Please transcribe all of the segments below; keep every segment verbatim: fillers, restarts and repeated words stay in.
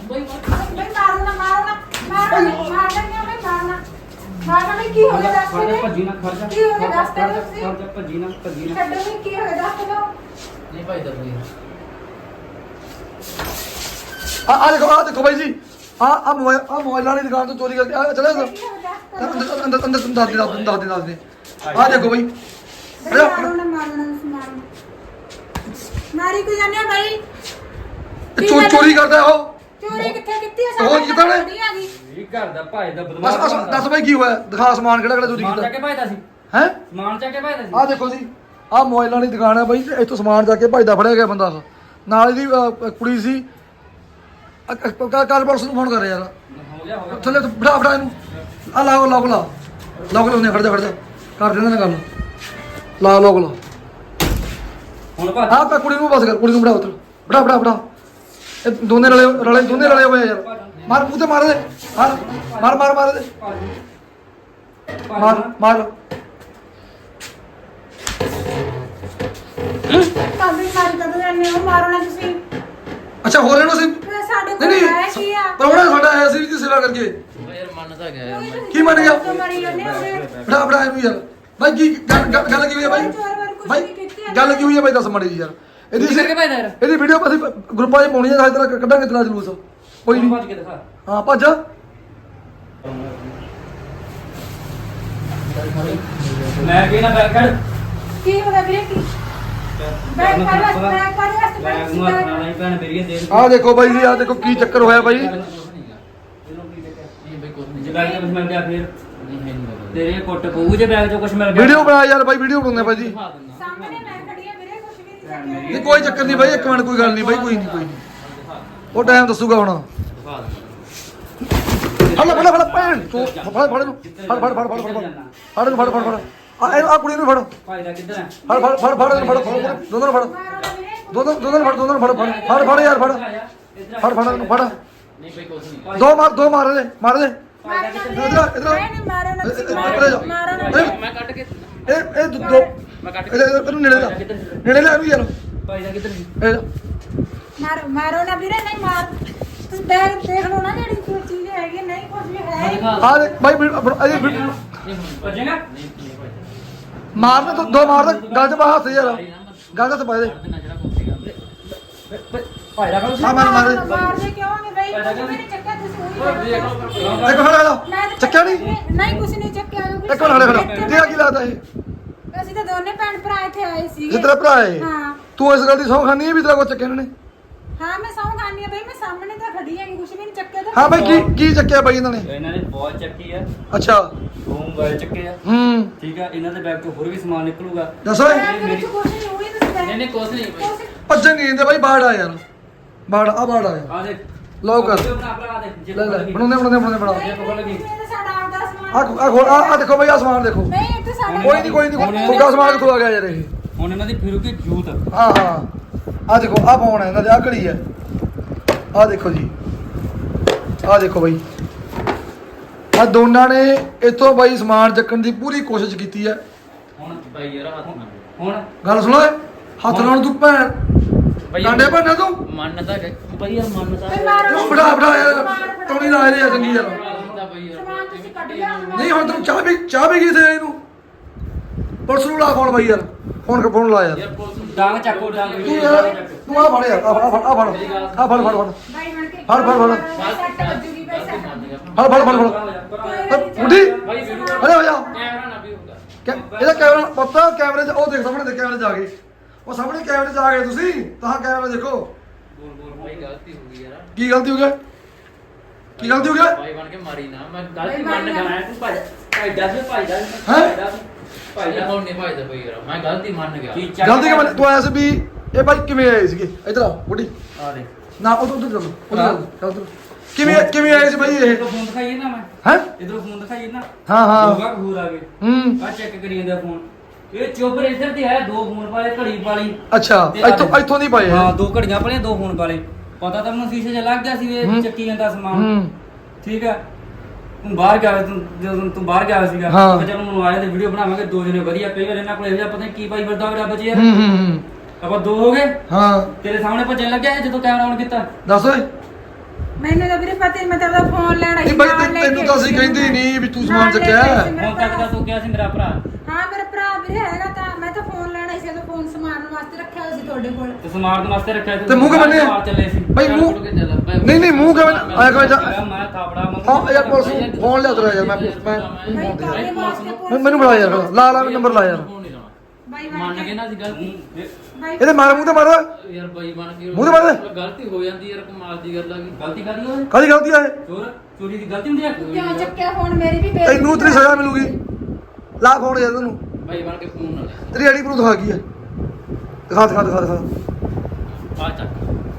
ਬਈ ਬਈ ਮਾਰੋ ਨਾ ਮਾਰੋ ਨਾ ਮਾਰੋ ਨਹੀਂ ਮਾਰਨਾ ਨਹੀਂ ਬਈ ਮਾਰਨਾ ਮਾਰਨਾ ਨਹੀਂ ਕੀ ਹੋ ਗਿਆ ਦੱਸ ਖੜ ਜਾ ਦੇ ਭੱਜੀ ਨਾ ਖੜ ਜਾ ਕੀ ਹੋ ਗਿਆ ਦੱਸ ਦੇ ਤੁਸੀਂ ਖੜ ਜਾ ਭੱਜੀ ਨਾ ਭੱਜੀ ਨਾ ਛੱਡੋ ਨਹੀਂ ਕੀ ਹੋ ਗਿਆ ਦੱਸ ਦਿਓ ਨਹੀਂ ਭਾਈ ਦਾ ਕੋਈ ਆ ਆ ਦੇਖੋ ਆ ਦੇਖੋ ਬਾਈ ਜੀ ਆ ਆ ਮੋਬਾਈਲ ਆ ਮੋਬਾਈਲਾਂ ਦੀ ਦੁਕਾਨ ਤੋਂ ਚੋਰੀ ਕਰਕੇ ਆ ਚਲੇ ਜਾ ਕੀ ਹੋ ਗਿਆ ਦੱਸ ਅੰਦਰ ਅੰਦਰ ਅੰਦਰ ਅੰਦਰ ਦੱਸ ਦੇ ਦੱਸ ਦੇ ਦੱਸ ਦੇ ਦੱਸ ਦੇ ਆ ਦੇਖੋ ਬਾਈ ਦਿਓ ਮਾਰੋ ਨਾ ਮਾਰੋ ਨਾ ਤੁਸੀਂ ਮਾਰੋ ਮਾਰੀ ਕੋ ਜਾਣਿਆ ਬਾਈ ਇਹ ਚੋ ਚੋਰੀ ਕਰਦਾ ਉਹ ਚੋਰੀ ਕਿੱਥੇ ਕੀਤੀ ਹੈ ਉਹ ਕੀਤਾ ਨੇ? ਆ ਗਈ ਇਹ ਘਰ ਦਾ ਭਾਈ ਦਾ ਬਸ ਬਦਮਾਸ਼ ਬਸ ਦੱਸ ਬਾਈ ਕੀ ਹੋਇਆ ਦਿਖਾ ਸਮਾਨ ਕਿਹੜਾ ਕਿਹੜਾ ਚੋਰੀ ਸਮਾਨ ਚੱਕ ਕੀਤਾ ਕੇ ਭਾਈਦਾ ਸੀ ਹੈ ਸਮਾਨ ਚੱਕ ਕੇ ਭਾਈਦਾ ਸੀ ਆ ਦੇਖੋ ਜੀ ਆ ਮੋਬਾਈਲਾਂ ਦੀ ਦੁਕਾਨ ਹੈ ਬਾਈ ਤੇ ਇੱਥੋਂ ਸਮਾਨ ਜਾ ਕੇ ਭੱਜਦਾ ਫੜਿਆ ਗਿਆ ਬੰਦਾ ਉਹ। ਨਾਲ ਇਹਦੀ ਅ, ਕੁੜੀ ਸੀ ਕੱਲ ਪਰਸ ਨੂੰ ਫੋਨ ਕਰ ਯਾਰ ਹੋ ਗਿਆ ਹੋ ਗਿਆ ਥੱਲੇ ਤੋਂ ਫੜਾ ਫੜਾ ਇਹਨੂੰ ਆ ਲਾਓ ਲੋਕ ਲਾ ਲੋਕ ਲਾਉਂਦੇ ਖੜ ਜਾ ਖੜ ਜਾ ਕਰ ਦਿੰਦੇ ਨੇ ਗੱਲ ਲਾ ਲੋਕ ਲਾ ਹੁਣ ਭੱਜ ਆ ਤਾਂ ਕੁੜੀ ਨੂੰ ਬਸ ਕਰ ਕੁੜੀ ਨੂੰ ਫੜਾ ਉੱਤਰ ਫੜਾ ਫੜਾ ਫੜਾ ਇਹ ਦੋਨੇ ਰਲੇ ਰਲੇ ਦੋਨੇ ਰਲੇ ਹੋਏ ਆ ਯਾਰ ਮਾਰ ਮੂੰਹ ਤੇ ਮਾਰ ਦੇ ਮਾਰ ਮਾਰ ਮਾਰ ਮਾਰ ਦੇ ਮਾਰ ਮਾਰ ਕਾਬੀ ਮਾਰੀ ਕਦੋਂ ਜਾਂਦੇ ਹੋ ਮਾਰੋ ਨਾ ਤੁਸੀਂ ਅੱਛਾ ਹੋ ਰਿਹਾ ਸੀ ਫਿਰ ਸਾਡੇ ਨਹੀਂ ਕੋਲ ਹੈ ਨਹੀਂ ਕੀ ਆ ਪਰਵਣਾ ਸਾਡਾ ਆਇਆ ਸੀ ਦੀ ਸੇਵਾ ਕਰਕੇ ਯਾਰ ਮੰਨਦਾ ਗਿਆ ਯਾਰ ਮੈਂ ਕੀ ਮੰਨ ਗਿਆ? ਮਾਰੀ ਜਾਂਦੇ ਹੋ ਫੜਾ ਫੜਾ ਇਹਨੂੰ ਯਾਰ ਬਾਈ ਕੀ ਗੱਲ ਗੱਲ- ਗੱਲ ਕੀ ਹੋਈ ਹੈ ਬਾਈ ਬਾਈ ਗੱਲ ਕੀ ਹੋਈ ਹੈ ਬਾਈ ਦੱਸ ਮੜੀ ਯਾਰ ਇਹਦੀ ਚੋਰੀ ਕਰਕੇ ਭਾਈਦਾ ਯਾਰ ਇਹਦੀ ਵੀਡੀਓ ਅਸੀਂ ਗਰੁੱਪਾਂ 'ਚ ਪਾਉਣੀ ਹੈ ਸਾਡੀ ਤਰ੍ਹਾਂ ਕੱਢਾਂਗੇ ਤੇਰਾ ਜਲੂਸ ਕੋਈ ਨਹੀਂ ਭੱਜ ਕੇ ਦਿਖਾ ਹਾਂ ਭੱਜ ਮੈਂ ਕੀ ਨਾ ਬੈਗ ਖੜ ਕੀ ਹੋ ਗਿਆ ਵੀਰੇ ਕੀ ਬੈਗ ਫੜ ਲੈ ਬੈਗ ਫੜ ਲੈ ਬੈਗ ਨੂੰ ਹੱਥ ਨਾਲ ਨਹੀਂ ਭੈਣ ਮੇਰੀ ਦੇ ਆਹ ਦੇਖੋ ਬਾਈ ਜੀ ਆਹ ਦੇਖੋ ਕੀ ਚੱਕਰ ਹੋਇਆ ਬਾਈ ਨਹੀਂ ਬਈ ਕੁਝ ਨਹੀਂ ਜੇ ਬੈਗ ਚ ਕੁਝ ਮਿਲ ਗਿਆ ਫਿਰ ਤੇਰੇ ਕੁੱਟ ਪਊ ਜੇ ਬੈਗ ਚੋਂ ਕੁਝ ਮਿਲ ਗਿਆ ਵੀਡੀਓ ਬਣਾ ਯਾਰ ਬਾਈ ਵੀਡੀਓ ਬਣਾਉਂਦੇ ਬਾਈ ਜੀ ਸਾਹਮਣੇ ਮੈਂ ਖੜੀ ਆ ਵੀਰੇ ਕੁਝ ਵੀ ਨਹੀਂ ਚੱਕਿਆ ਨਹੀਂ ਕੋਈ ਚੱਕਰ ਨਹੀਂ ਬਾਈ ਇੱਕ ਮਿੰਟ ਕੋਈ ਗੱਲ ਨਹੀਂ ਬਾਈ ਕੋਈ ਨਹੀਂ ਕੋਈ ਨਹੀਂ ਉਹ ਟਾਈਮ ਦੱਸੂਗਾ ਹੁਣ ਫੜ ਲੈ ਫੜ ਲੈ ਫੜ ਲੈ ਭੈਣ ਤੂੰ ਫੜ ਫੜ ਇਹਨੂੰ ਫੜ ਫੜ ਫੜ ਫੜ ਫੜ ਫੜ ਇਹਨੂੰ ਫੜ ਫੜ ਫੜ ਆ ਇਹਨੂੰ ਆ ਕੁੜੀ ਨੂੰ ਫੜ ਭਾਈ ਦਾ ਕਿੱਧਰ ਹੈ ਫੜ ਫੜ ਫੜ ਫੜ ਇਹਨੂੰ ਫੜ ਫੜ ਦੋਨਾਂ ਨੂੰ ਫੜ ਮਾਰੋ ਨਾ ਵੀਰੇ ਦੋਨਾਂ ਦੋਨਾਂ ਨੂੰ ਫੜ ਦੋਨਾਂ ਨੂੰ ਫੜ ਫੜ ਫੜ ਫੜ ਯਾਰ ਫੜ ਫੜ ਫੜ ਇਹਨੂੰ ਫੜ ਨਹੀਂ ਬਈ ਕੁਝ ਨਹੀਂ ਦੋ ਮਾਰ ਦੋ ਮਾਰ ਦੇ ਮਾਰ ਦੇ ਮਾਰੋ ਨਾ ਵੀਰੇ ਇਧਰ ਇਧਰ ਨਹੀਂ ਨਹੀਂ ਮਾਰੋ ਨਾ ਤੁਸੀਂ ਇੱਧਰ ਜਾ। ਮਾਰੋ ਨਾ ਇਹ ਮੈਂ ਕੱਟ ਕੇ ਇਹ ਇਹ ਦੋ ਮੈਂ ਕੱਟ ਕੇ ਇਹਦੇ ਇਹਨੂੰ ਨੇੜੇ ਲਾ ਨੇੜੇ ਲਾ ਵੀ ਯਾਰ ਭਾਈ ਦਾ ਕਿੱਧਰ ਸੀ ਇਹ ਮਾਰੋ ਮਾਰੋ ਨਾ ਵੀਰੇ ਨਹੀਂ ਮਾਰ ਤੁਸੀਂ ਬੈਗ ਦੇਖ ਲਓ ਨਾ ਜਿਹੜੀ ਕੋਈ ਚੀਜ਼ ਹੈਗੀ ਨਹੀਂ ਕੁਝ ਵੀ ਹੈ ਹੀ ਨਹੀਂ। ਆ ਦੇ ਬਾਈ ਇਹ ਭੱਜੇਗਾ ਮਾਰਨੇ ਤੋਂ ਦੋ ਮਾਰ ਦੇ ਗੱਲ ਚ ਪਾ ਹੱਥ ਯਾਰ ਗੱਲ ਚ ਪਾ ਦੇ ਭਾਈ ਦਾ ਆ ਮਾਰ ਮਾਰ ਦੇ ਮਾਰਦੇ ਕਿਉਂ ਨਹੀਂ ਬਈ ਕੁਝ ਵੀ ਨਹੀਂ ਚੱਕਿਆ ਤੁਸੀਂ ਉਹੀ ਇੱਕ ਮਿੰਟ ਖੜਾ ਮੈਂ ਤਾਂ ਚੱਕਿਆ ਨਹੀਂ ਨਹੀਂ ਕੁਝ ਨਹੀਂ ਚੱਕਿਆ ਕਿਉਂਕਿ ਇੱਕ ਮਿੰਟ ਖੜਾ ਖੜਾ ਤੇਰਾ ਕੀ ਲੱਗਦਾ ਇਹ ਅਸੀਂ ਤਾਂ ਦੋਨੇ ਭੈਣ ਭਰਾ ਇੱਥੇ ਆਏ ਸੀਗੇ ਜਿੱਤਰਾ ਭਰਾ ਹੈ ਹਾਂ ਤੂੰ ਇਸ ਗੱਲ ਦੀ ਸੌਂ ਖਾਨੀ ਹੈ ਵੀ ਤੇਰਾ ਕੋ ਚੱਕਿਆ ਇਹਨਾਂ ਨੇ ਹਾਂ ਮੈਂ ਸੌਂ ਖਾਣੀ ਆ ਬਈ ਮੈਂ ਸਾਹਮਣੇ ਤਾਂ ਖੜੀ ਹੈਗੀ ਕੁਝ ਵੀ ਨਹੀਂ ਚੱਕਿਆ ਤਾਂ ਹਾਂ ਬਾਈ ਕੀ ਕੀ ਚੱਕਿਆ ਬਾਈ ਇਹਨਾਂ ਨੇ ਇਹਨਾਂ ਨੇ ਬਹੁਤ ਚੱਕੀ ਆ ਅੱਛਾ ਦੋ ਮੋਬਾਈਲ ਚੱਕੇ ਆ ਹੂੰ ਠੀਕ ਆ ਇਹਨਾਂ ਦੇ ਬੈਗ ਤੋਂ ਹੋਰ ਵੀ ਸਮਾਨ ਨਿਕਲੂਗਾ ਦੱਸੋ ਬੈਗ ਦੇ ਵਿੱਚ ਕੁਝ ਨਹੀਂ ਹੋਈ ਤੁਸੀਂ ਬੈਗ ਨਹੀਂ ਕੁਝ ਨਹੀਂ ਬਈ ਭੱਜਣ ਨਹੀਂ ਦਿੰਦੇ ਬਾਈ ਬਾੜ ਆ ਯਾਰ ਬਾੜ ਆ ਬਾੜ ਆ ਯਾਰ ਆ ਦੇਖ ਲਓ ਕਰ ਵੀਡੀਓ ਬਣਾ ਭਰਾ ਦੇ ਜੇ ਲੈ ਲੈ ਲੱਗੀ। ਬਣਾਉਂਦੇ ਬਣਾਉਂਦੇ ਬਣਾਉਂਦੇ ਬਣਾ ਨਹੀਂ, ਪਕੜ ਲੱਗੀ। ਇਹ ਤਾਂ ਸਾਡਾ ਆਪਦਾ ਸਮਾਨ ਆ ਆ ਖੋਲ ਆ ਆ ਦੇਖੋ ਬਾਈ ਆ ਸਮਾਨ ਦੇਖੋ ਨਹੀਂ ਇੱਥੇ ਸਾਡਾ ਕੋਈ ਨਹੀਂ ਕੋਈ ਨਹੀਂ ਫੁੱਗਾ ਸਮਾਨ ਕਿੱਥੋਂ ਆ ਗਿਆ ਯਾਰ ਇਹ ਹੁਣ ਇਹਨਾਂ ਦੀ ਫਿਰੂਗੀ ਜੂਤ ਹਾਂ ਹਾਂ ਆ ਦੇਖੋ ਆ ਫੋਨ ਹੈ ਇਹਨਾਂ ਦੇ ਆ ਘੜੀ ਹੈ ਆ ਦੇਖੋ ਜੀ ਆ ਦੇਖੋ ਬਾਈ ਆ ਦੋਨਾਂ ਨੇ ਇੱਥੋਂ ਬਾਈ ਸਮਾਨ ਚੱਕਣ ਦੀ ਪੂਰੀ ਕੋਸ਼ਿਸ਼ ਕੀਤੀ ਹੈ ਹੁਣ ਬਾਈ ਯਾਰ ਹੱਥ ਨਾਲ ਹੁਣ ਗੱਲ ਸੁਣੋ ਏ ਹੱਥ ਨਾਲ ਤੂੰ ਭੈਣ ਡਾਂਡੇ ਭੰਨਾ ਤੂੰ ਮੰਨਦਾ ਕਿ ਬਾਈ ਯਾਰ ਮੰਨਦਾ ਬਈ ਮਾਰੋ ਤੂੰ ਫੜਾ ਫੜਾ ਯਾਰ ਟੋਣੀ ਲਾ ਰਹੇ ਆ ਚੰਗੀ ਯਾਰ ਬਾਈ ਯਾਰ ਸਮਾਨ ਤੁਸੀਂ ਕੱਢ ਲਿਆ ਸਮਾਨ ਨਹੀਂ ਹੁਣ ਤੂੰ ਚਾਹ ਵੀ ਚਾਹ ਵੀ ਗਈ ਸੀ ਇਹਨੂੰ ਪੁਲਿਸ ਨੂੰ ਲਾ ਫੋਨ ਬਾਈ ਯਾਰ ਫੋਨ ਫੋਨ ਲਾ ਯਾਰ ਯਾਰ ਪੁਲਿਸ ਨੂੰ ਡਾਂਗ ਚੱਕੋ ਡਾਂਗ ਤੂੰ ਯਾਰ ਤੂੰ ਆ ਫੜ ਯਾਰ ਆ ਫੜ ਆ ਫੜ ਆ ਫੜ ਆ ਫੜ ਫੜ ਫੜ ਬਾਈ ਬਣ ਕੇ ਫੜ, ਫੜ, ਫੜ। ਸੱਟ ਵੱਜੂਗੀ ਬਈ ਸੱਟ ਫੜ ਫੜ ਫੜ ਫੜ ਬੁੱਢੀ ਬਾਈ ਵੀਡੀਓ ਅਰੇ ਹੋ ਜਾ ਕੈਮਰਾ ਨਾ ਵੀ ਹੋਊਗਾ ਕੈ- ਇਹਦਾ ਕੈਮਰਾ ਪਤਾ ਕੈਮਰੇ 'ਚ ਉਹ ਦੇਖ ਸਾਹਮਣੇ ਦੇ ਕੈਮਰੇ 'ਚ ਆ ਗਏ ਉਹ ਸਾਹਮਣੇ ਕੈਮਰੇ 'ਚ ਆ ਗਏ ਤੁਸੀਂ ਤਾਂ ਕੈਮਰਾ ਦੇਖੋ ਬੋਲ ਬੋਲ ਬਾਈ ਗਲਤੀ ਹੋ ਗਈ ਯਾਰ ਕੀ ਗਲਤੀ ਹੋ ਗਿਆ ਕੀ ਗਲਤੀ ਹੋ ਗਿਆ ਭਾਈ ਬਣ ਕੇ ਮਾਰੀ ਨਾ ਮੈਂ ਗਲਤੀ ਮੰਨ ਗਿਆ ਤੂੰ ਭੱਜ ਭਾਈ ਦੱਸ ਵੀ ਭਾਈ ਦਾ ਹੈਂ? ਭਾਈ ਦਾ ਹੁਣ ਨਹੀਂ ਭਾਈ ਦਾ ਭਾਈ ਯਾਰ ਮੈਂ ਗਲਤੀ ਮੰਨ ਗਿਆ ਗਲਤੀ ਕਿ ਤੂੰ ਆਇਆ ਸੀ ਵੀ ਇਹ ਬਾਈ ਕਿਵੇਂ ਆਏ ਸੀਗੇ ਇੱਧਰ ਆ ਬੁੱਢੀ ਆ ਦੇ ਨਾ ਉਧਰ ਉਧਰ ਚੱਲ ਉਧਰ ਚੱਲ ਕਿਵੇਂ ਕਿਵੇਂ ਆਏ ਸੀ ਬਾਈ ਇਹ ਇਧਰੋਂ ਫੋਨ ਦਿਖਾਈਏ ਨਾ ਮੈਂ ਹੈ ਇਧਰੋਂ ਫੋਨ ਦਿਖਾਈਏ ਨਾ ਹਾਂ ਹਾਂ ਹੋਗਾ ਕਬੂਰ ਆ ਗਏ ਹੂੰ ਆ ਚੈੱਕ ਕਰੀ ਜਾਂਦਾ ਫੋਨ ਇਹ ਚੋਬਰ ਇੱਧਰ ਤੇ ਹੈ ਦੋ ਫੋਨ ਵਾਲੇ ਘੜੀ ਵਾਲੀ ਅੱਛਾ ਇੱਥੋਂ ਇੱਥੋਂ ਨਹੀਂ ਪਾਏ ਹਾਂ ਦੋ ਘੜੀਆਂ ਵਾਲੇ ਦੋ ਫੋਨ ਵਾਲੇ ਪਤਾ ਤਾਂ ਮੈਨੂੰ ਸ਼ੀਸ਼ੇ 'ਚ ਲੱਗ ਗਿਆ ਸੀ ਹੂੰ। ਇਹ ਚੱਕੀ ਜਾਂਦਾ ਸਮਾਨ ਹੂੰ ਠੀਕ ਹੈ ਤੂੰ ਬਾਹਰ ਗਿਆ ਤੂੰ ਜਦੋਂ ਤੂੰ ਬਾਹਰ ਗਿਆ ਸੀਗਾ ਹਾਂ। ਮੈਂ ਚਲ ਮੈਨੂੰ ਆਇਆ ਤੇ ਵੀਡੀਓ ਬਣਾਵਾਂਗੇ ਦੋ ਜਣੇ ਵਧੀਆ ਕਈ ਵਾਰ ਇਹਨਾਂ ਕੋਲ ਇਹੋ ਜਿਹਾ ਪਤਾ ਨਹੀਂ ਕੀ ਪਾਈ ਫਿਰਦਾ ਹੋਵੇ ਰੱਬ ਜੀ ਯਾਰ ਹੂੰ ਹੂੰ ਹੂੰ ਆਪਾਂ ਦੋ ਹੋ ਗਏ ਹਾਂ ਤੇਰੇ ਸਾਹਮਣੇ ਭੱਜਣ ਲੱਗਿਆ ਇਹ ਜਦੋਂ ਕੈਮਰਾ ਆਨ ਕੀਤਾ ਦੱਸ ਓਏ ਮੈਨੂੰ ਵੀਰੇ ਪਤਾ ਹੀ ਮੈਂ ਤਾਂ ਫੋਨ ਲੈਣਾ ਨਹੀਂ ਬਾਈ ਤੈਨੂੰ- ਤੈਨੂੰ ਤਾਂ ਅਸੀਂ ਕਹਿੰਦੇ ਨਹੀਂ ਵੀ ਤੂੰ ਸਮਾਨ ਚੱਕਿਆ ਹੁਣ ਤੱਕ ਤਾਂ ਤੂੰ ਕਿਹਾ ਸੀ ਮੇਰਾ ਭਰਾ ਹਾਂ ਮੇਰਾ ਭਰਾ ਵੀਰੇ ਹੈਗਾ ਤਾਂ ਮੈਂ ਤਾਂ ਫੋਨ ਲੈਣਾ ਸੀ, ਉਹ ਫੋਨ ਸਮਾਰਨ ਵਾਸਤੇ ਰੱਖਿਆ ਹੋਇਆ ਸੀ ਤੁਹਾਡੇ ਕੋਲ। ਤੇ ਸਮਾਰਟ ਵਾਸਤੇ ਰੱਖਿਆ ਤੇ ਮੂੰਹ ਕਿਵੇਂ ਬੰਨਿਆ? ਮਾਰ ਚੱਲੇ ਸੀ ਬਾਈ ਮੂੰਹ ਨਹੀਂ ਨਹੀਂ ਮੂੰਹ ਕਿਵੇਂ ਆਇਆ ਕਿਵੇਂ ਜਾ ਮੈਂ ਥਾਪੜਾ ਹਾਂ ਯਾਰ ਪੁਲਿਸ ਨੂੰ ਫੋਨ ਲਿਆ ਤੇਰਾ ਯਾਰ ਮੈਂ ਪੁਲਿਸ ਮੈਂ ਬਾਈ ਤੁਹਾਡੇ ਵਾਸਤੇ ਮੈਂ- ਪੁਲਿਸ- ਮੈਨੂੰ ਬੁਲਾ ਯਾਰ ਲਾ ਲਾ ਨੰਬਰ ਲਾ ਯਾਰ ਬਾਈ ਮੰਨ ਕੇ ਨਾ ਅਸੀਂ ਗਲਤੀ ਬਾਈ ਇਹਦੇ ਮਾਰ ਮੂੰਹ ਤੇ ਮਾਰ ਯਾਰ ਬਾਈ ਬਣ ਕੇ ਮੂੰਹ ਤੇ ਮਾਰ ਦੇ। ਗਲਤੀ ਹੋ ਜਾਂਦੀ ਯਾਰ ਕਮਾਲ ਦੀ ਗੱਲ ਆ ਗਈ ਗਲਤੀ ਕਾਦੀ ਹੋਏ ਕਾਹਦੀ ਗਲਤੀ ਆ ਇਹ ਚੋਰ ਚੋਰੀ ਦੀ ਗਲਤੀ ਹੁੰਦੀ ਹੈ ਕਿਉਂ ਚੱਕਿਆ ਫੋਨ? ਮੇਰੀ ਵੀ ਬੇਇੱਜ਼ਤੀ ਤੈਨੂੰ ਤੇਰੀ ਸਜ਼ਾ ਮਿਲੂਗੀ ਲਾ ਫੋਨ ਯਾਰ ਤੈਨੂੰ ਬਾਈ ਬਣ ਕੇ ਫੋਨ ਨਾ ਲੈ ਤੇਰੀ ਆਈਡੀ ਪ੍ਰੂਫ ਦਿਖਾ ਕੀ ਹੈ ਦਿਖਾ ਦਿਖਾ ਦਿਖਾ ਦਿਖਾ ਆ ਚੱਕ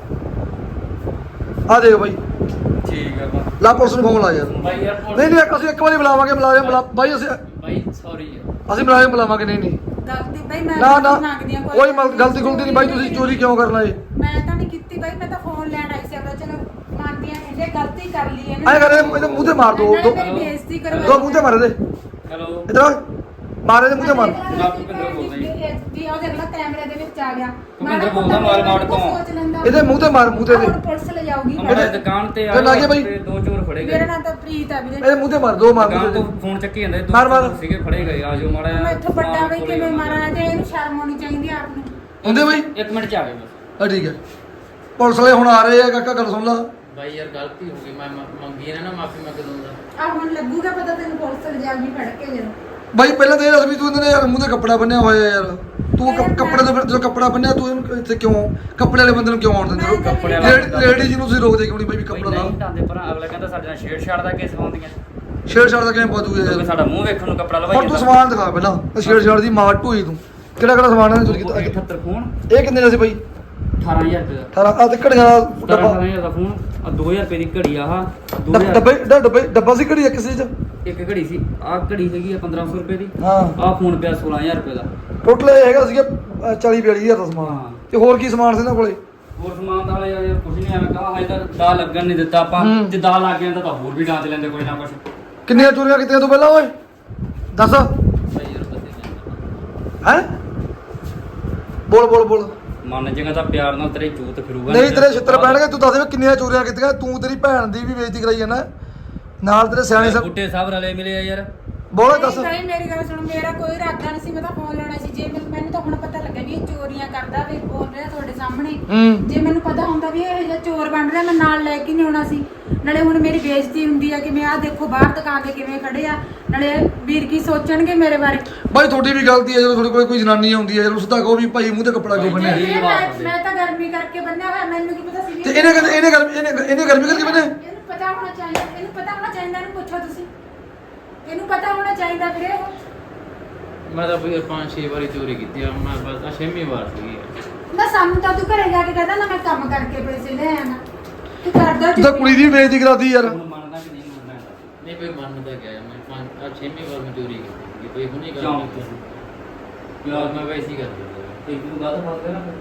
ਆ ਦੇਖ ਬਾਈ ਠੀਕ ਹੈ ਬਾ ਲਾ ਪੁਲਿਸ ਨੂੰ ਫੋਨ ਲਾ ਯਾਰ ਬਾਈ ਯਾਰ ਨਹੀਂ ਨਹੀਂ ਅਸੀਂ ਇੱਕ ਵਾਰੀ ਬੁਲਾਵਾਂਗੇ ਮੁਲਾਜ਼ਮ ਬੁਲਾ ਬਾਈ ਅਸੀਂ ਬਾਈ ਸੌਰੀ ਯਾਰ ਅਸੀਂ ਮੁਲਾਜ਼ਮ ਬੁਲਾਵਾਂਗੇ ਨਹੀਂ ਨਹੀਂ ਗਲਤੀ ਬਾਈ ਮੈਂ ਨਾ ਨਾ ਮੰਗਦੀ ਹਾਂ ਕੋਈ ਮਲ- ਗਲਤੀ ਗੁਲਤੀ ਨਹੀਂ ਬਾਈ ਤੁਸੀਂ ਚੋਰੀ ਕਿਉਂ ਕਰਨਾ ਇਹ ਮੈਂ ਤਾਂ ਨਹੀਂ ਕੀਤੀ ਬਾਈ, ਮੈਂ ਤਾਂ ਫੋਨ ਲੈਣ ਆਈ ਸੀ ਆਪਣਾ। ਚਲੋ ਮੰਨਦੀ ਹਾਂ ਕਹਿੰਦੇ ਗਲਤੀ ਕਰ ਲਈ ਇਹਨੇ। ਐਂ ਕਰ ਇਹਦੇ ਇਹਦੇ ਮੂੰਹ ਤੇ ਮਾਰ ਦੋ ਨਾਲੇ ਦੋ ਮੇਰੀ ਬੇਇੱਜ਼ਤੀ ਕਰਵਾ ਦੋ ਮੂੰਹ ਤੇ ਮਾਰ ਦੇ ਹੈਲੋ ਇਧਰ ਮਾਰ ਇਹਦੇ ਮੂੰਹ ਤੇ ਮਾਰ ਭੁਪਿੰਦਰ ਬੋਲਦਾ ਜੀ। ਜੀ ਉਹ ਦੇਖ ਲੈ ਕੈਮਰੇ ਦੇ ਵਿੱਚ ਆ ਗਿਆ। ਭੁਪਿੰਦਰ ਬੋਲਦਾ ਮਾਰ ਮਾਰ ਤੋਂ। ਸੋਚ ਲੈਂਦਾ। ਇਹਦੇ ਮੂੰਹ ਤੇ ਮਾਰ ਮੂੰਹ ਤੇ ਹੁਣ ਇਹਦੇ ਪੁਲਿਸ ਲੈ ਜਾਊਗੀ। ਮੇਰੇ ਦੁਕਾਨ ਤੇ ਤੇ ਲੱਗੇ ਬਾਈ। ਤੇ ਦੋ ਚੋਰ ਫੜੇ ਗਏ ਮੇਰਾ ਨਾਮ ਤਾਂ ਪ੍ਰੀਤ ਆ ਵੀਰੇ। ਇਹਦੇ ਮੂੰਹ ਤੇ ਮਾਰ ਦੋ ਮਾਰ ਦੁਕਾਨ ਮੂੰਹ ਤੋਂ ਤੇ ਫੋਨ ਚੱਕੀ ਜਾਂਦੇ ਦੋ ਮਾਰ, ਮਾਰ। ਚੋਰ ਸੀਗੇ ਫੜੇ ਗਏ ਆਜੋ ਮਾੜਾ ਮੈਂ ਇੱਥੋਂ ਵੱਡਾ ਬਈ ਕੋਲੇ ਕਿਵੇਂ ਮਾਰਾਂ ਤੇ ਇਹਨੂੰ ਸ਼ਰਮ ਆਉਣੀ ਚਾਹੀਦੀ ਆ ਆਪ ਨੂੰ। ਹੁੰਦੇ ਬਾਈ ਇੱਕ ਮਿੰਟ ਚ ਆ ਗਏ ਬਸ ਆ ਠੀਕ ਹੈ ਪੁਲਿਸ ਵਾਲੇ ਹੁਣ ਆ ਰਹੇ ਆ ਕਾਕਾ ਗੱਲ ਸੁਣ ਲਾ ਬਾਈ ਯਾਰ ਗਲਤੀ ਹੋ ਗਈ ਮੈਂ ਮ- ਮੰਗੀ ਨਾ ਨਾ ਮਾਫੀ ਮੰਗ ਦੂੰਗਾ ਆ ਹੁਣ ਲੱਗੂਗਾ ਪਤਾ ਤੈਨੂੰ ਪੁਲਿਸ ਲੈ ਜਾਊਗੀ ਫੜ ਕੇ ਜਦੋਂ। ਬਾਈ ਪਹਿਲਾਂ ਤਾਂ ਇਹ ਦੱਸ ਵੀ ਤੂੰ ਇਹਦੇ ਯਾਰ ਮੂੰਹ ਤੇ ਕੱਪੜਾ ਬੰਨਿਆ ਹੋਇਆ ਯਾਰ ਤੂੰ ਕੱਪ- ਕੱਪੜੇ ਤੋਂ ਫਿਰ ਜਦੋਂ ਕੱਪੜਾ ਬੰਨਿਆ ਤੂੰ ਇਹਨੂੰ ਇੱਥੇ ਕਿਉਂ ਕੱਪੜੇ ਵਾਲੇ ਬੰਦੇ ਨੂੰ ਕਿਉਂ ਆਉਣ ਦਿੰਦੇ ਹੋ ਕੱਪੜੇ ਵਾਲਾ ਲੇਡੀ ਲੇਡੀ ਨੂੰ ਤੁਸੀਂ ਰੋਕਦੇ ਕਿਉਂ ਨਹੀਂ ਬਾਈ ਵੀ ਕੋਈ ਕੱਪੜਾ ਲਾ ਨਹੀਂ ਢਾਂਦੇ ਪਰ ਅਗਲਾ ਕਹਿੰਦਾ ਸਾਡੇ ਨਾਲ ਛੇੜ ਛਾੜ ਦਾ ਕੇਸ ਪਾਉਂਦੀਆਂ ਛੇੜ ਛਾੜ ਦਾ ਕਿਵੇਂ ਪਾਦੂਗੇ ਕਿਉਂਕਿ ਯਾਰ ਸਾਡਾ ਮੂੰਹ ਵੇਖਣ ਨੂੰ ਕੱਪੜਾ ਲਵਾਈ ਹੁਣ ਤੂੰ ਸਮਾਨ ਦਿਖਾ ਪਹਿਲਾਂ ਇਹ ਛੇੜ ਛਾੜ ਦੀ ਮਾਰ ਢੋਈ ਤੂੰ ਕਿਹੜਾ ਕਿਹੜਾ ਸਮਾਨ ਹੈ ਚੋਰੀ ਕੀਤਾ ਅਠੱਤਰ ਫੋਨ ਇਹ ਕਿੰਨੇ ਦਾ ਸੀ ਬਾਈ ਅਠਾਰਾਂ ਹਜ਼ਾਰ ਰੁਪਏ ਦਾ ਅਠਾਰਾਂ ਆ ਤੇ ਘੜੀਆਂ ਦਾ ਡੱਬਾ ਡੱਬਾ ਦਾ ਫੋਨ ਆ ਦੋ ਹਜ਼ਾਰ ਰੁਪਏ ਦੀ ਘੜੀ ਆ ਆਹ ਦੋ ਡੱਬ- ਹਜ਼ਾਰ ਡੱਬੇ ਡਾ- ਡੱਬੇ ਡੱਬਾ ਸੀ ਘੜੀ ਇੱਕ ਸੀ ਚ ਇੱਕ ਘੜੀ ਸੀ ਆਹ ਘੜੀ ਹੈਗੀ ਆ ਪੰਦਰਾਂ ਸੌ ਰੁਪਏ ਦੀ ਹਾਂ ਆਹ ਫੋਨ ਪਿਆ ਸੋਲਾਂ ਹਜ਼ਾਰ ਰੁਪਏ ਦਾ ਟੋਟਲ ਇਹ ਹੈਗਾ ਸੀਗਾ ਅ, ਚਾਲੀ ਬਿਆਲੀ ਹਜ਼ਾਰ ਦਾ ਸਮਾਨ ਹਾਂ। ਤੇ ਹੋਰ ਕੀ ਸਮਾਨ ਸੀ ਇਹਨਾਂ ਕੋਲੇ ਹੋਰ ਸਮਾਨ ਦਾ ਹਾਲੇ ਯਾਰ ਕੁਝ ਨਹੀਂ ਐਵੇਂ ਕਹਾ ਹਜੇ ਤਾਂ ਦਾ ਲੱਗਣ ਨਹੀਂ ਦਿੱਤਾ ਆਪਾਂ ਹੂੰ। ਜੇ ਦਾ ਲੱਗ ਗਿਆ ਤਾਂ ਹੋਰ ਵੀ ਡਾਂਚ ਲੈਂਦੇ ਕੋਈ ਨਾ ਕੁਝ ਕਿੰਨੀਆਂ ਚੋਰੀਆਂ ਕੀਤੀਆਂ ਤੂੰ ਪਹਿਲਾਂ ਓਏ ਦੱਸ ਬਾਈ ਯਾਰ ਬਤੇ ਜਾਂਦਾ ਹੈ ਬੋਲ ਬੋਲ ਬੋਲ ਮੰਨ ਜੇਗਾ ਤਾਂ ਪਿਆਰ ਨਾਲ ਤੇਰੇ ਜੂਤ ਫਿਰੂਗਾ ਨਹੀਂ ਤੇਰੇ ਛਿੱਤਰ ਪੈਣਗੇ ਤੂੰ ਦੱਸ ਵੀ ਕਿੰਨੀਆਂ ਚੋਰੀਆਂ ਕੀਤੀਆਂ ਤੂੰ ਤੇਰੀ ਭੈਣ ਦੀ ਵੀ ਬੇਇੱਜ਼ਤੀ ਕਰਾਈ ਜਾਂਦਾ ਨਾਲ ਤੇਰੇ ਸਿਆਣੇ ਸਭ ਬੁੱਢੇ ਸਾਹਿਬ ਰਲੇ ਮਿਲੇ ਆ ਯਾਰ ਬੋਲ ਦੱਸ ਨਹੀਂ ਮੇਰੀ ਗੱਲ ਸੁਣ, ਮੇਰਾ ਕੋਈ ਇਰਾਦਾ ਨਹੀਂ ਸੀ, ਮੈਂ ਤਾਂ ਫੋਨ ਲੈਣਾ ਸੀ। ਜੇ ਮੈਨੂੰ ਮੈਨੂੰ ਤਾਂ ਹੁਣ ਪਤਾ ਲੱਗਾ ਵੀ ਇਹ ਚੋਰੀਆਂ ਕਰਦਾ ਵੀ ਬੋਲ ਰਿਹਾ ਤੁਹਾਡੇ ਸਾਹਮਣੇ। ਹੂੰ ਜੇ ਮੈਨੂੰ ਪਤਾ ਹੁੰਦਾ ਵੀ ਇਹ ਜਿਹਾ ਚੋਰ ਬਣ ਰਿਹਾ ਮੈਂ ਨਾਲ ਲੈ ਕੇ ਨਹੀਂ ਆਉਣਾ ਸੀ। ਨਾਲੇ ਹੁਣ ਮੇਰੀ ਬੇਇੱਜ਼ਤੀ ਹੁੰਦੀ ਆ ਕਿ ਮੈਂ ਆਹ ਦੇਖੋ ਬਾਹਰ ਦੁਕਾਨ ਤੇ ਕਿਵੇਂ ਖੜੇ ਆ, ਨਾਲੇ ਵੀਰ ਕੀ ਸੋਚਣਗੇ ਮੇਰੇ ਬਾਰੇ। ਬਾਈ ਤੁਹਾਡੀ ਵੀ ਗਲਤੀ ਹੈ ਜਦੋਂ ਤੁਹਾਡੇ ਕੋਲ ਕੋਈ ਜਨਾਨੀ ਆਉਂਦੀ ਹੈ ਜਦੋਂ ਸਿੱਧਾ ਕਹੋ ਵੀ ਭਾਈ ਮੂੰਹ ਤੇ ਕੱਪੜਾ ਕਿਉਂ ਬੰਨਿਆ ਜੇ ਇਹ ਮੈਂ ਬਾਤ ਮੈਂ ਤਾਂ ਗਰਮੀ ਕਰਕੇ ਬੰਨਿਆ ਹੋਇਆ, ਮੈਨੂੰ ਕੀ ਪਤਾ ਸੀ ਵੀ ਤੇ ਇਹਨੇ ਕਹਿੰਦੇ ਇਹਨੇ ਗਰਮੀ ਇਹਨੇ ਇਹਨੇ ਗਰਮੀ ਕਰਕੇ ਬੰਨਿਆ ਇਹਨੂੰ ਪਤਾ ਹੋਣਾ ਚਾਹੀਦਾ, ਇਹਨੂੰ ਪਤਾ ਹੋਣਾ ਚਾਹੀਦਾ, ਇਹਨੂੰ ਪੁੱਛੋ ਤੁਸੀਂ। ਇਹਨੂੰ ਪਤਾ ਹੋਣਾ ਚਾਹੀਦਾ ਵੀਰੇ। ਮੈਂ ਤਾਂ ਬਈ ਪੰਜ ਛੇ ਵਾਰੀ ਚੋਰੀ ਕੀਤੀ ਆ ਮੈਂ ਬਸ ਆ ਛੇਵੀਂ ਵਾਰ ਸੀਗੀ ਨਾ ਸਾਨੂੰ ਤਾਂ ਤੂੰ ਘਰੇ ਜਾ ਕੇ ਕਹਿੰਦਾ ਨਾ ਮੈਂ ਕੰਮ ਕਰਕੇ ਪੈਸੇ ਲੈ ਆਣਾ। ਤੂੰ ਕਰਦਾ ਤੂੰ ਤਾਂ ਕੁੜੀ ਦੀ ਵੀ ਬੇਇੱਜ਼ਤੀ ਕਰਾਤੀ ਯਾਰ ਹੁਣ ਮੰਨਦਾ ਕਿ ਨਹੀਂ ਮੰਨਦਾ ਇਹਦਾ? ਨਹੀਂ ਬਈ ਮੰਨਦਾ ਗਿਆ ਮੈਂ ਪੰਜ ਆ ਛੇਵੀਂ ਵਾਰ ਮੈਂ ਚੋਰੀ ਕੀਤੀ ਬਈ ਹੁਣੇ ਕਰ ਕਿਉਂ ਕੀਤੀ ਯਾਰ ਮੈਂ ਵੈਸੇ ਹੀ ਕਰ ਦਿੰਦਾ ਤੇ ਤੂੰ ਗੱਲ ਫਸ ਨਾ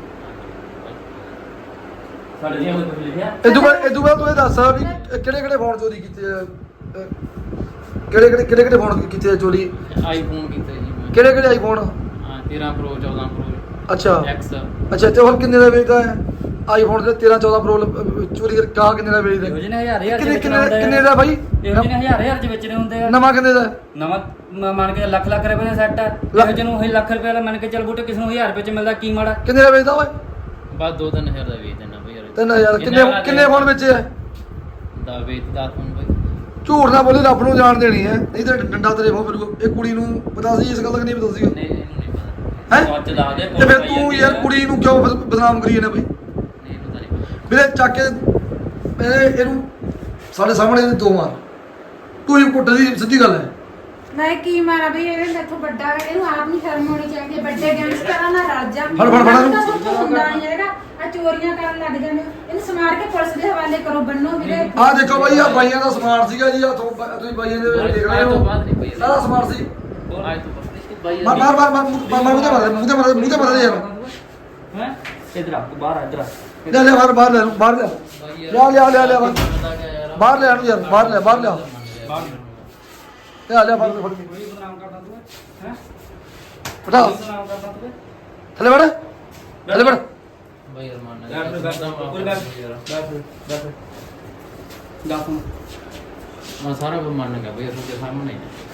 ਸਾਡੇ ਜੀ ਕੁਝ ਲਿਖਿਆ ਇਦੋਂ ਬਾਅਦ ਇਦੋਂ ਬਾਅਦ ਤੂੰ ਇਹ ਦੱਸ ਵੀ ਕਿਹੜੇ ਕਿਹੜੇ ਫੋਨ ਚੋਰੀ ਕੀਤੇ ਆ ਅਹ, ਕਿਹੜੇ ਕਿਹੜੇ ਕਿਹੜੇ ਕਿਹੜੇ ਫੋਨ ਕੀਤੇ ਆ ਚੋਰੀ ਆਈਫੋਨ ਕੀਤਾ ਜੀ ਮੈਂ ਕਿਹੜੇ ਕਿਹੜੇ ਆਈਫੋਨ ਹਾਂ ਤੇਰਾਂ ਪ੍ਰੋ ਚੌਦਾਂ ਪ੍ਰੋ ਅੱਛਾ ਐਕਸ ਅੱਛਾ ਤੇ ਹੁਣ ਕਿੰਨੇ ਦਾ ਵੇਚਦਾ ਹੈ ਆਈਫੋਨ ਦੇ ਤੇਰਾਂ ਚੌਦਾਂ ਪ੍ਰੋ ਚੋਰੀ ਕਰਕੇ ਕਾ ਕਿੰਨੇ ਦਾ ਵੇਚਦਾ ਇਹੋ ਜਿਹੇ ਨੇ ਹਜ਼ਾਰ ਹਜ਼ਾਰ ਚ ਕਿੰਨੇ ਵੇਚਣੇ ਕਿੰਨੇ ਹੁੰਦੇ ਆ। ਕਿੰਨੇ ਦਾ ਬਾਈ ਇਹੋ ਜਿਹੇ ਨੇ ਹਜ਼ਾਰ ਹਜ਼ਾਰ ਚ ਵੇਚਣੇ ਹੁੰਦੇ ਆ ਨਵਾਂ ਕਿੰਨੇ ਦਾ ਨਵਾਂ ਮ- ਮੰਨ ਕੇ ਲੱਖ ਲੱਖ ਰੁਪਏ ਦਾ ਸੈੱਟ ਹੈ ਇਹੋ ਜਿਹੇ ਨੂੰ ਹੀ ਲੱਖ ਰੁਪਏ ਵਾਲਾ ਮੰਨ ਕੇ ਚੱਲ ਬੂਟੇ ਕਿਸ ਨੂੰ ਹਜ਼ਾਰ ਰੁਪਏ ਚ ਮਿਲਦਾ ਕੀ ਮਾੜਾ ਕਿੰਨੇ ਦਾ ਵੇਚਦਾ ਓਏ ਬਸ ਦੋ ਤਿੰਨ ਹਜ਼ਾਰ ਦਾ ਵੇਚ ਦੇਣਾ ਬਈ ਯਾਰ ਤਿੰਨ ਹਜ਼ਾਰ ਕਿੰਨੇ ਕਿੰਨੇ ਫੋਨ ਵੇਚੇ ਆ ਦਾ ਵੇਚ ਦਾ ਫੋਨ ਬਈ ਝੂਠ ਨਾ ਬੋਲੀ ਰੱਬ ਨੂੰ ਜਾਣ ਦੇਣੀ ਹੈ ਨਹੀਂ ਤਾਂ ਡੰਡਾ ਤੇਰੇ ਮੂੰਹ ਫਿਰੂਗਾ ਇਹ ਕੁੜੀ ਨੂੰ ਪਤਾ ਸੀ ਇਸ ਗੱਲ ਦਾ ਕਿ ਨਹੀਂ ਪਤਾ ਸੀਗਾ ਨਹੀਂ ਇਹਨੂੰ ਨਹੀਂ ਪਤਾ ਹੈ ਸੱਚ ਦੱਸ ਦੇ ਤੇ ਫਿਰ ਤੂੰ ਯਾਰ ਕੁੜੀ ਨੂੰ ਕਿਉਂ ਬਦ- ਬਦਨਾਮ ਕਰੀ ਜਾਂਦਾ ਬਈ ਨਹੀਂ ਪਤਾ ਨਹੀਂ ਵੀਰੇ ਚੱਕ ਕੇ ਇਹ ਇਹਨੂੰ ਸਾਡੇ ਸਾਹਮਣੇ ਇਹਦੇ ਦੋ ਮਾਰ ਤੂੰ ਹੀ ਕੁੱਟ ਦੀ ਸਿੱਧੀ ਗੱਲ ਹੈ ਮੈਂ ਕੀ ਮਾਰਾਂ ਬਈ, ਇਹ ਮੈਥੋਂ ਵੱਡਾ ਹੈ, ਇਹਨੂੰ ਆਪ ਨਹੀਂ ਸ਼ਰਮ ਆਉਣੀ ਚਾਹੀਦੀ ਹੈ। ਵੱਡੇ ਗੈਂਗਸਟਰਾਂ ਨਾਲ ਰਾਜਾ ਫੜ, ਫੜ, ਫੜ ਇਹਨੂੰ। ਤਾਂ ਸੋਚੋ ਹੁੰਦਾ ਨਹੀਂ ਹੈਗਾ ਆ ਚੋਰੀਆਂ ਕਰਨ ਲੱਗ ਜਾਂਦੇ ਹੋ। ਇਹਨੂੰ ਸਮਾਰ ਕੇ ਪੁਲਿਸ ਦੇ ਹਵਾਲੇ ਕਰੋ, ਬੰਨੋ ਵੀਰੇ। ਆਹ ਦੇਖੋ ਬਾਈ ਆ ਬਾਈਆਂ ਦਾ ਸਮਾਨ ਸੀਗਾ ਜੀ ਆ ਤੁਸੀਂ ਬਾਈਆਂ ਦੇ ਵਿੱਚ ਦੇਖ ਰਹੇ ਅੱਜ ਤੋਂ ਹੋ ਬਾਅਦ ਨਹੀਂ ਪਈ ਸਾਰਾ ਸਮਾਨ ਸੀ ਅੱਜ ਤੋਂ ਬਾਅਦ ਬਾਈ ਮਾਰ ਮਾਰ ਮਾਰ ਮਾਰ ਮਾਰ ਮਾਰ ਮੂੰਹ ਤੇ ਮਾਰ ਮੂੰਹ ਤੇ ਮਾਰ ਮੂੰਹ ਤੇ ਮਾਰ ਯਾਰ ਹੈ ਇਧਰ ਆ ਤੂੰ ਬਾਹਰ ਆ ਇਧਰ ਆ ਲੈ ਲੈ ਬਾਹਰ ਬਾਹਰ ਲੈ ਬਾਹਰ ਲੈ ਲਿਆ ਲਿਆ ਲਿਆ ਲਿਆ ਬਾਹਰ ਲੈ ਆਣੂ ਯਾਰ ਬਾਹਰ ਲੈ ਬਾਹਰ ਲਿਆ ਬਾਹਰ ਤੇ ਆ ਲਿਆ ਫੜ ਫੜ ਕੇ ਕੋਈ ਬਦਨਾਮ ਕਰਦਾ ਤੂੰ ਹੈ ਉਠਾ ਬਦਨਾਮ ਕਰਦਾ ਤੂੰ ਥੱਲੇ ਵੜ ਥੱਲੇ ਵੜ ਬਾਈ ਯਾਰ ਮੰਨ ਬੈਠ ਬੈਠ ਕੋਈ ਬੈਠ ਬੈਠ ਬੈਠ ਦੱਸ ਹੁਣ ਮੈਂ ਸਾਰਾ ਕੁਝ ਮੰਨ ਗਿਆ ਬਈ ਤੁਹਾਡੇ ਸਾਹਮਣੇ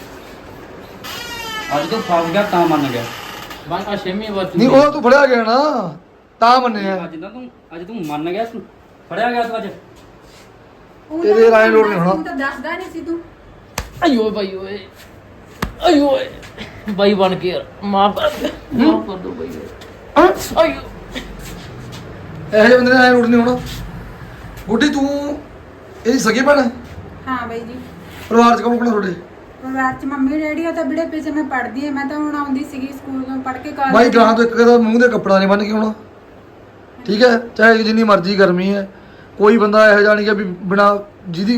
ਅੱਜ ਤੋਂ ਫਸ ਗਿਆ ਤਾਂ ਮੰਨ ਗਿਆ ਬਸ ਆ ਛੇਵੀਂ ਵਾਰ ਨਹੀਂ ਉਹ ਤੂੰ ਫੜਿਆ ਗਿਆ ਨਾ ਤਾਂ ਮੰਨਿਆ। ਅੱਜ ਤਾਂ ਤੂੰ ਅੱਜ ਤੂੰ ਮੰਨ ਗਿਆ ਤੂੰ ਫੜਿਆ ਗਿਆ ਤੂੰ ਅੱਜ ਉਹ ਤੇਰੇ ਤਾਂ ਰਾਏ ਲੋੜ ਨਹੀਂ ਹੋਣਾ। ਤੂੰ ਤਾਂ ਦੱਸਦਾ ਨਹੀਂ ਸੀ ਤੂੰ। ਅਯੋ ਬਾਈ ਓਏ ਅਯੋ ਓਏ ਬਾਈ ਬਣ ਕੇ ਯਾਰ ਮਾਫ ਕਰ ਦੇ ਮਾਫ ਕਰ ਦੋ ਬਾਈ ਓਏ ਅਯੋ ਇਹੋ ਜਿਹੇ ਬੰਦੇ ਨੇ ਐ ਰੋਡ ਨਹੀਂ ਹੋਣਾ। ਗੁੱਡੀ ਤੂੰ ਇਹਦੀ ਸਗੀ ਭੈਣ ਹੈ? ਹਾਂ ਬਾਈ ਜੀ ਪਰਿਵਾਰ ਚ ਕੌਣ ਕੌਣ ਤੁਹਾਡੇ? ਪਰਿਵਾਰ ਚ ਮੰਮੀ ਡੈਡੀ ਆ ਤਾਂ ਬੜੇ ਪਿੱਛੇ ਮੈਂ ਪੜ੍ਹਦੀ ਆ। ਮੈਂ ਤਾਂ ਹੁਣ ਆਉਂਦੀ ਸੀਗੀ ਸਕੂਲ ਤੋਂ ਪੜ੍ਹ ਕੇ ਕਾਲਜ। ਬਾਈ ਗਾਂ ਤੋਂ ਇੱਕ ਕਦਾ ਮੂੰਹ ਦੇ ਕੱਪੜਾ ਨਹੀਂ ਬੰਨ ਕੇ ਆਉਣਾ, ਠੀਕ ਹੈ? ਚਾਹੇ ਜਿੰਨੀ ਮਰਜ਼ੀ ਗਰਮੀ ਹੈ, ਕੋਈ ਬੰਦਾ ਇਹੋ ਜਿਹਾ ਨਹੀਂ ਕਿ ਵੀ ਬਿਨਾ ਜਿਹਦੀ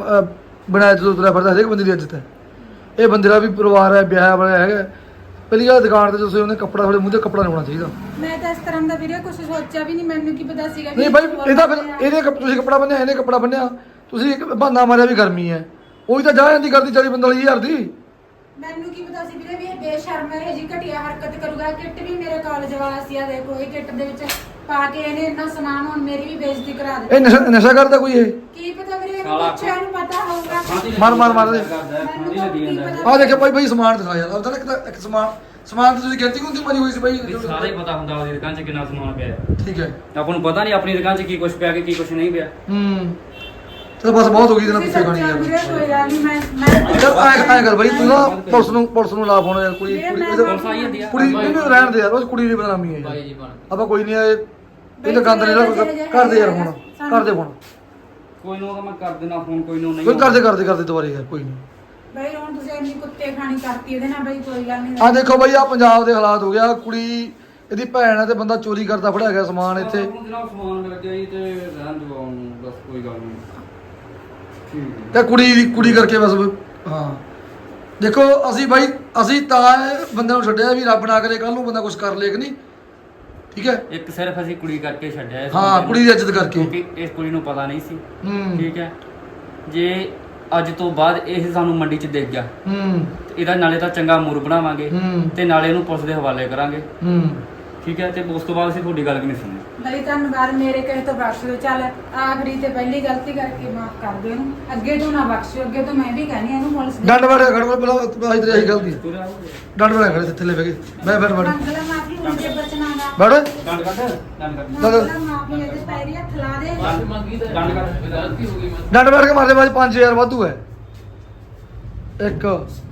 ਬਿਨਾ ਇੱਜ਼ਤ ਤੋਂ ਤੁਰਿਆ ਫਿਰਦਾ। ਹਰੇਕ ਬੰਦੇ ਦੀ ਇੱਜ਼ਤ ਹੈ। ਇਹ ਬੰਦੇ ਦਾ ਵੀ ਪਰਿਵਾਰ ਹੈ, ਵਿਆਹ ਵਾਲਾ ਹੈਗਾ। ਪਹਿਲੀ ਗੱਲ ਦੁਕਾਨ ਤੇ ਤੁਸੀਂ ਉਹਨੇ ਕੱਪੜਾ ਤੁਹਾਡੇ ਮੂੰਹ ਤੇ ਕੱਪੜਾ ਨਹੀਂ ਹੋਣਾ ਚਾਹੀਦਾ। ਮੈਂ ਤਾਂ ਇਸ ਤਰ੍ਹਾਂ ਦਾ ਵੀਰੇ ਕੁਝ ਸੋਚਿਆ ਵੀ ਨਹੀਂ। ਮੈਨੂੰ ਕੀ ਪਤਾ ਸੀਗਾ ਨਹੀਂ ਬਾਈ ਇਹਦਾ ਫਿਰ ਇਹਦੇ ਕੱਪ- ਤੁਸੀਂ ਕੱਪੜਾ ਬੰਨਿਆ, ਇਹਨੇ ਕੱਪੜਾ ਬੰਨਿਆ, ਤੁਸੀਂ ਇੱਕ ਬਹਾਨਾ ਮਾਰਿਆ ਵੀ ਗਰਮੀ ਹੈ। ਉਹੀ ਤਾਂ ਜਾ ਜਾਂਦੀ ਕਰਦੀ ਚਾਲੀ ਪੰਤਾਲੀ ਹਜ਼ਾਰ ਦੀ। ਮੈਨੂੰ ਕੀ ਪਤਾ ਸੀ ਵੀਰੇ ਵੀ ਇਹ ਬੇਸ਼ਰਮ ਹੈ, ਇਹ ਜੀ ਘਟੀਆ ਹਰਕਤ ਕਰੂਗਾ। ਕਿੱਟ ਵੀ ਮੇਰੇ ਕਾਲਜ ਵਾਲਾ ਸੀ ਆ ਦੇਖੋ, ਇਹ ਕਿੱਟ ਦੇ ਵਿੱਚ ਪਾ ਕੇ ਇਹਨੇ ਇੰਨਾ ਸਮਾਨ ਹੁਣ ਮੇਰੀ ਵੀ ਬੇਇੱਜ਼ਤੀ ਕਰਾ ਦਿੱਤੀ। ਇਹ ਨਸ਼ਾ ਨਸ਼ਾ ਕਰਦਾ ਕੋਈ ਇਹ? ਕੀ ਪਤਾ ਵੀਰੇ ਇਹਨੂੰ ਸਾਲਾ। ਪੁੱਛਿਆ ਇਹਨੂੰ ਪਤਾ ਹੋਊਗਾ। ਮਾਰ ਮਾਰ ਮਾਰ ਦੇ। ਮੈਨੂੰ ਤਾਂ ਕੀ ਪਤਾ। ਆਹ ਦੇਖੋ ਭਾਈ ਭਾਈ ਸਮਾਨ ਦਿਖਾ ਯਾਰ। ਆਪਦਾ ਨਾ ਇੱਕ ਤਾਂ ਇੱਕ ਸਮਾਨ ਸਮਾਨ ਤੇ ਤੁਸੀਂ ਗਿਣਤੀ ਗੁੰਤੀ ਮਾਰੀ ਹੋਈ ਸੀ ਬਾਈ। ਵੀ ਸਾਰਾ ਹੀ ਪਤਾ ਹੁੰਦਾ ਉਹਦੀ ਦੁਕਾਨ 'ਚ ਕਿੰਨਾ ਸਮਾਨ ਪਿਆ ਹੈ। ਠੀਕ ਹੈ। ਆਪਾਂ ਨੂੰ ਪਤਾ ਨਹੀਂ ਆਪਣੀ ਦੁਕਾਨ 'ਚ ਕੀ ਕੁਝ ਪਿਆ ਕਿ ਕੀ ਕੁਝ ਨਹੀਂ ਪਿਆ। ਹੂੰ ਚਲ ਬਸ ਬਹੁਤ ਹੋ ਗਈ ਤੇਨਾਂ ਤੁਸੀਂ ਪਿੱਛੇ ਖਾਣੀ ਸੱਚਾ ਯਾਰ। ਵੀਰੇ ਕੋਈ ਗੱਲ ਨਹੀਂ। ਮੈਂ ਮੈਂ ਚੱਲ ਐ ਐ ਕਰ ਬਾਈ ਤੂੰ ਨਾ ਪੁਲਿਸ ਨੂੰ ਪੁਲਿਸ ਨੂੰ ਲਾ ਫੋਨ ਯਾਰ। ਕੁੜੀ ਕੁੜੀ ਇਹਦੇ- ਪੁਲਿਸ ਆਈ ਜਾਂਦੀ ਆ। ਕੁੜੀ ਇਹਨੂੰ ਰਹਿਣ ਦੇ ਯਾਰ। ਉਹ ਕੁੜੀ ਦੀ ਬਦਨਾਮੀ ਹੈ ਬਾਈ ਯਾਰ। ਜੀ ਬਣ ਆਪਾਂ ਕੋਈ ਨਹੀਂ ਇਹ ਇਹ ਤਾਂ ਗੰਦ ਨਹੀਂ ਨਾ ਕਰਦੇ ਯਾਰ। ਫੋਨ ਕਰਦੇ ਫੋਨ ਕੋਈ ਨੂੰ ਤਾਂ ਮੈਂ ਕਰ ਦੇਣਾ ਫੋਨ, ਕੋਈ ਨੂੰ ਨਹੀਂ ਕੋਈ ਕਰਦੇ ਕਰਦੇ ਕਰਦੇ ਦੁਬਾਰੇ ਯਾਰ ਕੋਈ ਨਹੀਂ। ਬਈ ਹੁਣ ਤੁਸੀਂ ਇੰਨੀ ਕੁੱਤੇ ਖਾਣੀ ਕਰਤੀ ਇਹਦੇ ਨਾਲ। ਬਈ ਕੋਈ ਗੱਲ ਨਹੀਂ। ਆ ਦੇਖੋ ਬਾਈ ਆ ਪੰਜਾਬ ਦੇ ਹਾਲਾਤ ਹੋ ਗਿਆ। ਕੁੜੀ ਇਹਦੀ ਭੈਣ ਹੈ ਤੇ ਬੰਦਾ ਚੋਰੀ ਕਰਦਾ ਫੜਿਆ ਗਿਆ ਸਮਾਨ ਇੱਥੇ। ਹੁਣ ਜਨਾਬ ਸਮਾਨ ਮਿਲ ਗਿਆ ਜੀ ਤੇ ਰਹਿਣ ਦਿਓ ਉਹਨੂੰ, ਬਸ ਕੋਈ ਗੱਲ ਨਹੀਂ। ਠੀਕ ਹੈ। ਤੇ ਕੁੜੀ ਦੀ ਕੁੜੀ ਕਰਕੇ ਬਸ ਹਾਂ। ਦੇਖੋ ਅਸੀਂ ਬਾਈ ਅਸੀਂ ਤਾਂ ਇਹ ਬੰਦੇ ਨੂੰ ਛੱਡਿਆ ਵੀ ਰੱਬ ਨਾ ਕਰੇ ਕੱਲ ਨੂੰ ਬੰਦਾ ਕੁਝ ਕਰ ਲੇ ਕਿ ਨਹੀਂ, ਠੀਕ ਹੈ? ਇੱਕ ਸਿਰਫ ਅਸੀਂ ਕੁੜੀ ਕਰਕੇ ਛੱਡਿਆ ਇਸ ਹਾਂ ਬੰਦੇ ਨੂੰ, ਕੁੜੀ ਦੀ ਇੱਜ਼ਤ ਕਰਕੇ। ਕਿਉਂਕਿ ਇਸ ਕੁੜੀ ਨੂੰ ਪਤਾ ਨਹੀਂ ਸੀ। ਹੂੰ ਠੀਕ ਹੈ। ਜੇ ਅੱਜ ਤੋਂ ਬਾਅਦ ਇਹ ਸਾਨੂੰ ਮੰਡੀ 'ਚ ਦੇਖ ਗਿਆ ਹੂੰ ਤੇ ਇਹਦਾ ਨਾਲੇ ਤਾਂ ਚੰਗਾ ਮੂਰ ਬਣਾਵਾਂਗੇ ਹੂੰ ਤੇ ਨਾਲੇ ਇਹਨੂੰ ਪੁਲਿਸ ਦੇ ਹਵਾਲੇ ਕਰਾਂਗੇ। ਹੂੰ ਠੀਕ ਹੈ। ਤੇ ਉਸ ਤੋਂ ਬਾਅਦ ਅਸੀਂ ਤੁਹਾਡੀ ਗੱਲ ਵੀ ਨਹੀਂ ਸੁਣਨੀ। ਬਈ ਧੰਨਵਾਦ ਮੇਰੇ ਕਹੇ ਤੋਂ ਬਖਸ਼ ਦਿਓ। ਚੱਲ ਆਖਰੀ ਤੇ ਪਹਿਲੀ ਗਲਤੀ ਕਰਕੇ ਮਾਫ ਕਰ ਦਿਓ ਇਹਨੂੰ। ਅੱਗੇ ਤੋਂ ਨਾ ਬਖਸ਼ਿਓ। ਅੱਗੇ ਤੋਂ ਮੈਂ ਵੀ ਕਹਿੰਦੀ ਇਹਨੂੰ ਪੁਲਿਸ ਦੇ ਡੰਡ ਵੜਿਆ ਖੜ ਪਹਿਲਾਂ ਆਈ ਤੇਰੀ ਆਹੀ ਗਲਤੀ ਹੈ। ਡੰਡ ਵੜਿਆ ਖੜੇ ਥੱਲੇ ਬਹਿ ਕੇ ਮੈਂ ਫਿਰ ਵੜ ਮੰਗਲਾ ਮਾਫੀ ਹੁੰਦੇ ਬਚਨਾ ਦਾ। ਵੜ ਡੰਡ ਕੱਢ ਡੰਡ ਕੱਢ ਮੰਗਲਾ ਮਾਫੀ ਇਹਦੇ ਪੈਰੀ ਹੱਥ ਲਾ ਦੇ। ਮਾਫੀ ਮੰਗੀ ਤਾਂ ਡੰਡ ਕਰ। ਗਲਤੀ ਹੋ ਗਈ ਮੈਂ ਡੰਡ ਵੜ ਕੇ ਮਾਰਦੇ ਬਾਅਦ ਪੰਜ ਹਜ਼ਾਰ ਵਾਧੂ ਹੈ। ਇੱਕ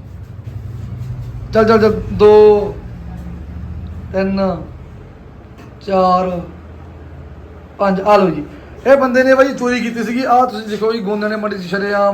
ਚੱਲ ਚੱਲ ਚੱਲ ਦੋ ਤਿੰਨ ਚਾਰ ਪੰਜ ਆ ਲਓ ਜੀ। ਇਹ ਬੰਦੇ ਨੇ ਬਾਈ ਚੋਰੀ ਕੀਤੀ ਸੀਗੀ। ਆਹ ਤੁਸੀਂ ਦੇਖੋ ਜੀ ਗੋਂਦਾਂ ਨੇ ਮੰਡੀ 'ਚ ਸ਼ਰੇਆਮ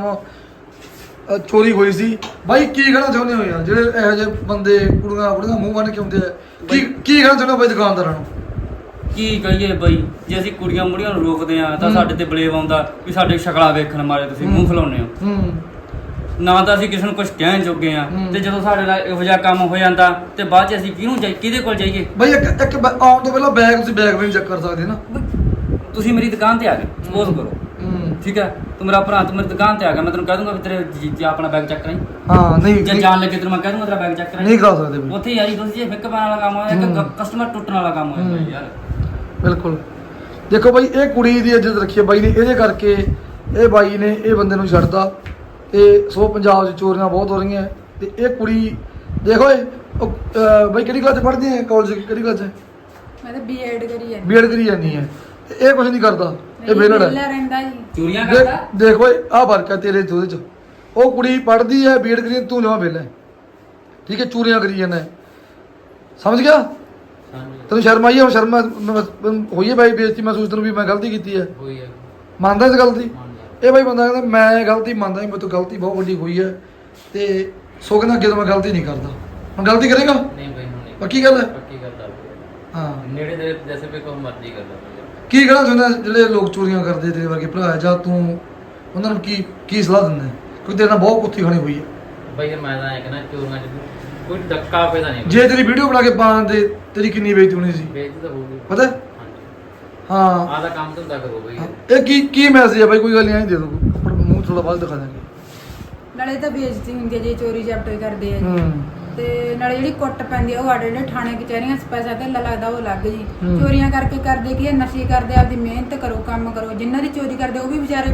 ਅ, ਚੋਰੀ ਹੋਈ ਸੀ। ਬਾਈ ਕੀ ਕਹਿਣਾ ਚਾਹੁੰਦੇ ਹੋ ਯਾਰ ਜਿਹੜੇ ਇਹੋ ਜਿਹੇ ਬੰਦੇ ਕੁੜੀਆਂ ਕੁੜੀਆਂ ਮੂੰਹ ਬੰਨ ਕੇ ਆਉਂਦੇ ਆ? ਕੀ ਕੀ ਕਹਿਣਾ ਚਾਹੁੰਦੇ ਹੋ ਬਾਈ ਦੁਕਾਨਦਾਰਾਂ ਨੂੰ? ਕੀ ਕਹੀਏ ਬਈ, ਜੇ ਅਸੀਂ ਕੁੜੀਆਂ ਮੁੜੀਆਂ ਨੂੰ ਰੋਕਦੇ ਆ ਤਾਂ ਹੂੰ। ਸਾਡੇ ਤੇ ਬਲੇਮ ਆਉਂਦਾ ਵੀ ਸਾਡੇ ਸ਼ਕਲਾਂ ਵੇਖਣ ਮਾਰੇ ਤੁਸੀਂ ਮੂੰਹ ਖਲਾਉਂਦੇ ਹੋ। ਹੂੰ ਨਾ ਤਾਂ ਅਸੀਂ ਕਿਸੇ ਨੂੰ ਕੁਝ ਕਹਿਣ ਜੋਗੇ ਆ ਹੂੰ। ਤੇ ਜਦੋਂ ਸਾਡੇ ਨਾਲ ਇਹੋ ਜਿਹਾ ਕੰਮ ਹੋ ਜਾਂਦਾ ਤੇ ਬਾਅਦ ਚ ਅਸੀਂ ਕਿਹਨੂੰ ਜਾਈ ਕਿਹਦੇ ਕੋਲ ਜਾਈਏ? ਬਾਈ ਇੱਕ ਇੱਕ ਬੈ- ਆਉਣ ਤੋਂ ਪਹਿਲਾਂ ਬੈਗ ਤੁਸੀਂ ਬੈਗ ਵੀ ਨਹੀਂ ਚੈੱਕ ਕਰ ਸਕਦੇ ਨਾ। ਤੁਸੀਂ ਮੇਰੀ ਦੁਕਾਨ ਤੇ ਆ ਗਏ ਸਪੋਜ਼ ਕਰੋ, ਹੂੰ ਠੀਕ ਹੈ? ਤੂੰ ਮੇਰਾ ਭਰਾ, ਤੂੰ ਮੇਰੀ ਦੁਕਾਨ ਤੇ ਆ ਗਿਆ, ਮੈਂ ਤੈਨੂੰ ਕਹਿ ਦੂੰਗਾ ਵੀ ਤੇਰੇ ਜੀਜਾ ਆਪਣਾ ਬੈਗ ਚੈੱਕ ਕਰਾਈ। ਹਾਂ ਨਹੀਂ ਜੇ ਨਹੀਂ- ਜਾਣ ਲੱਗੇ ਤੈਨੂੰ ਮੈਂ ਕਹਿ ਦੂੰਗਾ ਤੇਰਾ ਬੈਗ ਚੈੱਕ ਕਰਾਈ। ਨਹੀਂ ਕਰਾ ਸਕਦੇ ਬਾਈ ਉੱਥੇ ਯਾਰੀ ਤੁਸੀਂ ਜੇ ਫਿੱਕ ਪਾਣ ਵਾਲਾ ਕੰਮ ਹੋਇਆ ਹੂੰ। ਕਿ ਕਸਟਮਰ ਟੁੱਟਣ ਵਾਲਾ ਕੰਮ ਹੋਇਆ ਹੂੰ। ਯਾਰ। ਬਿਲਕੁਲ। ਦੇਖੋ ਬਾਈ ਇਹ ਕੁੜੀ ਦੀ ਇੱਜ਼ਤ ਰੱਖੀ ਹੈ ਬਾਈ ਨੇ, ਇਹਦੇ ਕਰਕੇ ਇਹ ਬਾਈ ਨੇ ਇਹ ਬੰਦੇ ਨੂੰ ਛੱਡਦਾ। ਤੇ ਸੋ ਪੰਜਾਬ 'ਚ ਚੋਰੀਆਂ ਬਹੁਤ ਹੋ ਰਹੀਆਂ ਤੇ ਇਹ ਕੁੜੀ ਦੇਖੋ ਇਹ ਉਹ, ਅਹ, ਬਾਈ ਕਿਹੜੀ ਕਲਾਸ 'ਚ ਪੜ੍ਹਦੀ ਹੈ? ਕਾਲਜ ਕਿਹੜੀ ਕਲਾਸ 'ਚ? ਮੈਂ ਤਾਂ ਬੀਐਡ ਕਰੀ ਜਾਂਦੀ। ਬੀਐਡ ਕਰੀ ਜਾਂਦੀ ਹੈ ਤੇ ਇਹ ਕੁਝ ਨਹੀਂ ਕਰਦਾ, ਇਹ ਵਿਹਲੜ ਹੈ। ਵਿਹਲਾ ਰਹਿੰਦਾ ਜੀ। ਚੋਰੀਆਂ ਕਰਦਾ। ਦੇਖ ਦੇਖ ਓਏ ਆਹ ਫਰਕ ਹੈ ਤੇਰੇ ਤੇ ਉਹਦੇ 'ਚ। ਉਹ ਕੁੜੀ ਪੜ੍ਹਦੀ ਹੈ ਬੀਐਡ ਕਰੀ, ਤੂੰ ਜਮਾ ਵਿਹਲਾ ਹੈ, ਠੀਕ ਹੈ? ਚੋਰੀਆਂ ਕਰੀ ਜਾਂਦਾ ਹੈ। ਸਮਝ ਗਿਆ? ਹਾਂਜੀ ਤੈਨੂੰ ਸ਼ਰਮ ਆਈ ਹੈ? ਹੁਣ ਸ਼ਰਮ ਮੈਂ- ਹੋਈ ਹੈ ਬਾਈ ਬੇਇੱਜ਼ਤੀ ਮਹਿਸੂਸ ਤੈਨੂੰ ਵੀ ਮੈਂ ਗਲਤੀ ਕੀਤੀ ਹੈ? ਹੋਈ ਹੈ ਮੰਨਦਾ ਇਸ ਗੱਲ ਦੀ? ਮੰਨ ਲਿਆ ਇਹ ਬਾਈ ਬੰਦਾ ਕਹਿੰਦਾ ਮੈਂ ਗਲਤੀ ਮੰਨਦਾ ਹੀ, ਮੇਰੇ ਤੋਂ ਗਲਤੀ ਬਹੁਤ ਵੱਡੀ ਹੋਈ ਹੈ ਤੇ ਸੋ ਕਹਿੰਦਾ ਅੱਗੇ ਤੋਂ ਮੈਂ ਗਲਤੀ ਨਹੀਂ ਕਰਦਾ। ਹੁਣ ਗਲਤੀ ਕਰੇਗਾ? ਨਹੀਂ ਬਈ ਹੁਣ ਨਹੀਂ ਪੱਕੀ ਗੱਲ ਹੈ? ਪੱਕੀ ਗੱਲ ਆ ਹਾਂ। ਨੇੜੇ ਦੇ ਜੈਸੇ ਵੀ ਕੋਈ ਮਰਜ਼ੀ ਕਰ ਲਾ ਕੀ ਕਹਿਣਾ ਚਾਹੁੰਦਾ ਜਿਹੜੇ ਲੋਕ ਚੋਰੀਆਂ ਕਰਦੇ ਤੇਰੇ ਵਰਗੇ ਭਰਾ ਹੈ, ਜਾਂ ਤੂੰ ਉਹਨਾਂ ਨੂੰ ਕੀ ਕੀ ਸਲਾਹ ਦਿੰਦਾ ਹੈ? ਕਿਉਂਕਿ ਤੇਰੇ ਨਾਲ ਬਹੁਤ ਕੁੱਤੀ ਖਾਣੀ ਹੋਈ ਹੈ। ਬਈ ਮੈਂ ਤਾਂ ਇਹ ਕਹਿੰਦਾ ਚੋਰੀਆਂ ਚ ਕੋਈ ਡੱਕਾ ਪੈਦਾ ਨਹੀਂ ਜੇ ਤੇਰੀ ਵੀਡੀਓ ਬਣਾ ਕੇ ਪਾਉਣ ਦੇ ਤੇਰੀ ਕਿੰਨੀ ਬੇਇੱਜ਼ਤੀ ਹੋਣੀ ਸੀ ਬੇਇੱਜ਼ਤੀ ਤਾਂ ਹੋਊਗੀ ਪਤਾ ਹੈ? ਹਾਂਜੀ ਹਾਂ। ਆਹ ਦਾ ਕੰਮ ਧੰਦਾ ਕਰੋ ਬਈ ਇਹ ਕੀ ਕੀ ਮੈਸੇਜ ਹੈ ਬਾਈ? ਕੋਈ ਗੱਲ ਨਹੀਂ, ਆਈ ਦੇ ਦੋ ਆਪਣਾ ਮੂੰਹ ਥੋੜਾ ਬਾਅਦ ਦਿਖਾ ਦਾਂਗੇ। ਨਾਲੇ ਤਾਂ ਬੇਇੱਜ਼ਤੀ ਹੁੰਦੀ ਹੈ ਜੇ ਚੋਰੀ ਜਬਟ ਕਰਦੇ ਆ ਜੀ। ਹੂੰ ਤੇ ਨਾਲੇ ਜਿਹੜੀ ਕੁੱਟ ਪੈਂਦੀ ਆ ਉਹ ਸਾਡੇ ਜਿਹੜੇ ਥਾਣੇ ਕਚਹਿਰੀਆਂ 'ਚ ਪੈਸਾ ਧੇਲਾ ਲੱਗਦਾ ਉਹ ਲੱਗ ਜੀ। ਹੂੰ। ਚੋਰੀਆਂ ਕਰਕੇ ਕਰਦੇ ਕੀ ਆ? ਨਸ਼ੇ ਕਰਦੇ, ਆਪਦੀ ਮਿਹਨਤ ਕਰੋ, ਕੰਮ ਕਰੋ। ਜਿਨ੍ਹਾਂ ਦੀ ਚੋਰੀ ਕਰਦੇ ਉਹ ਵੀ ਵਿਚਾਰੇ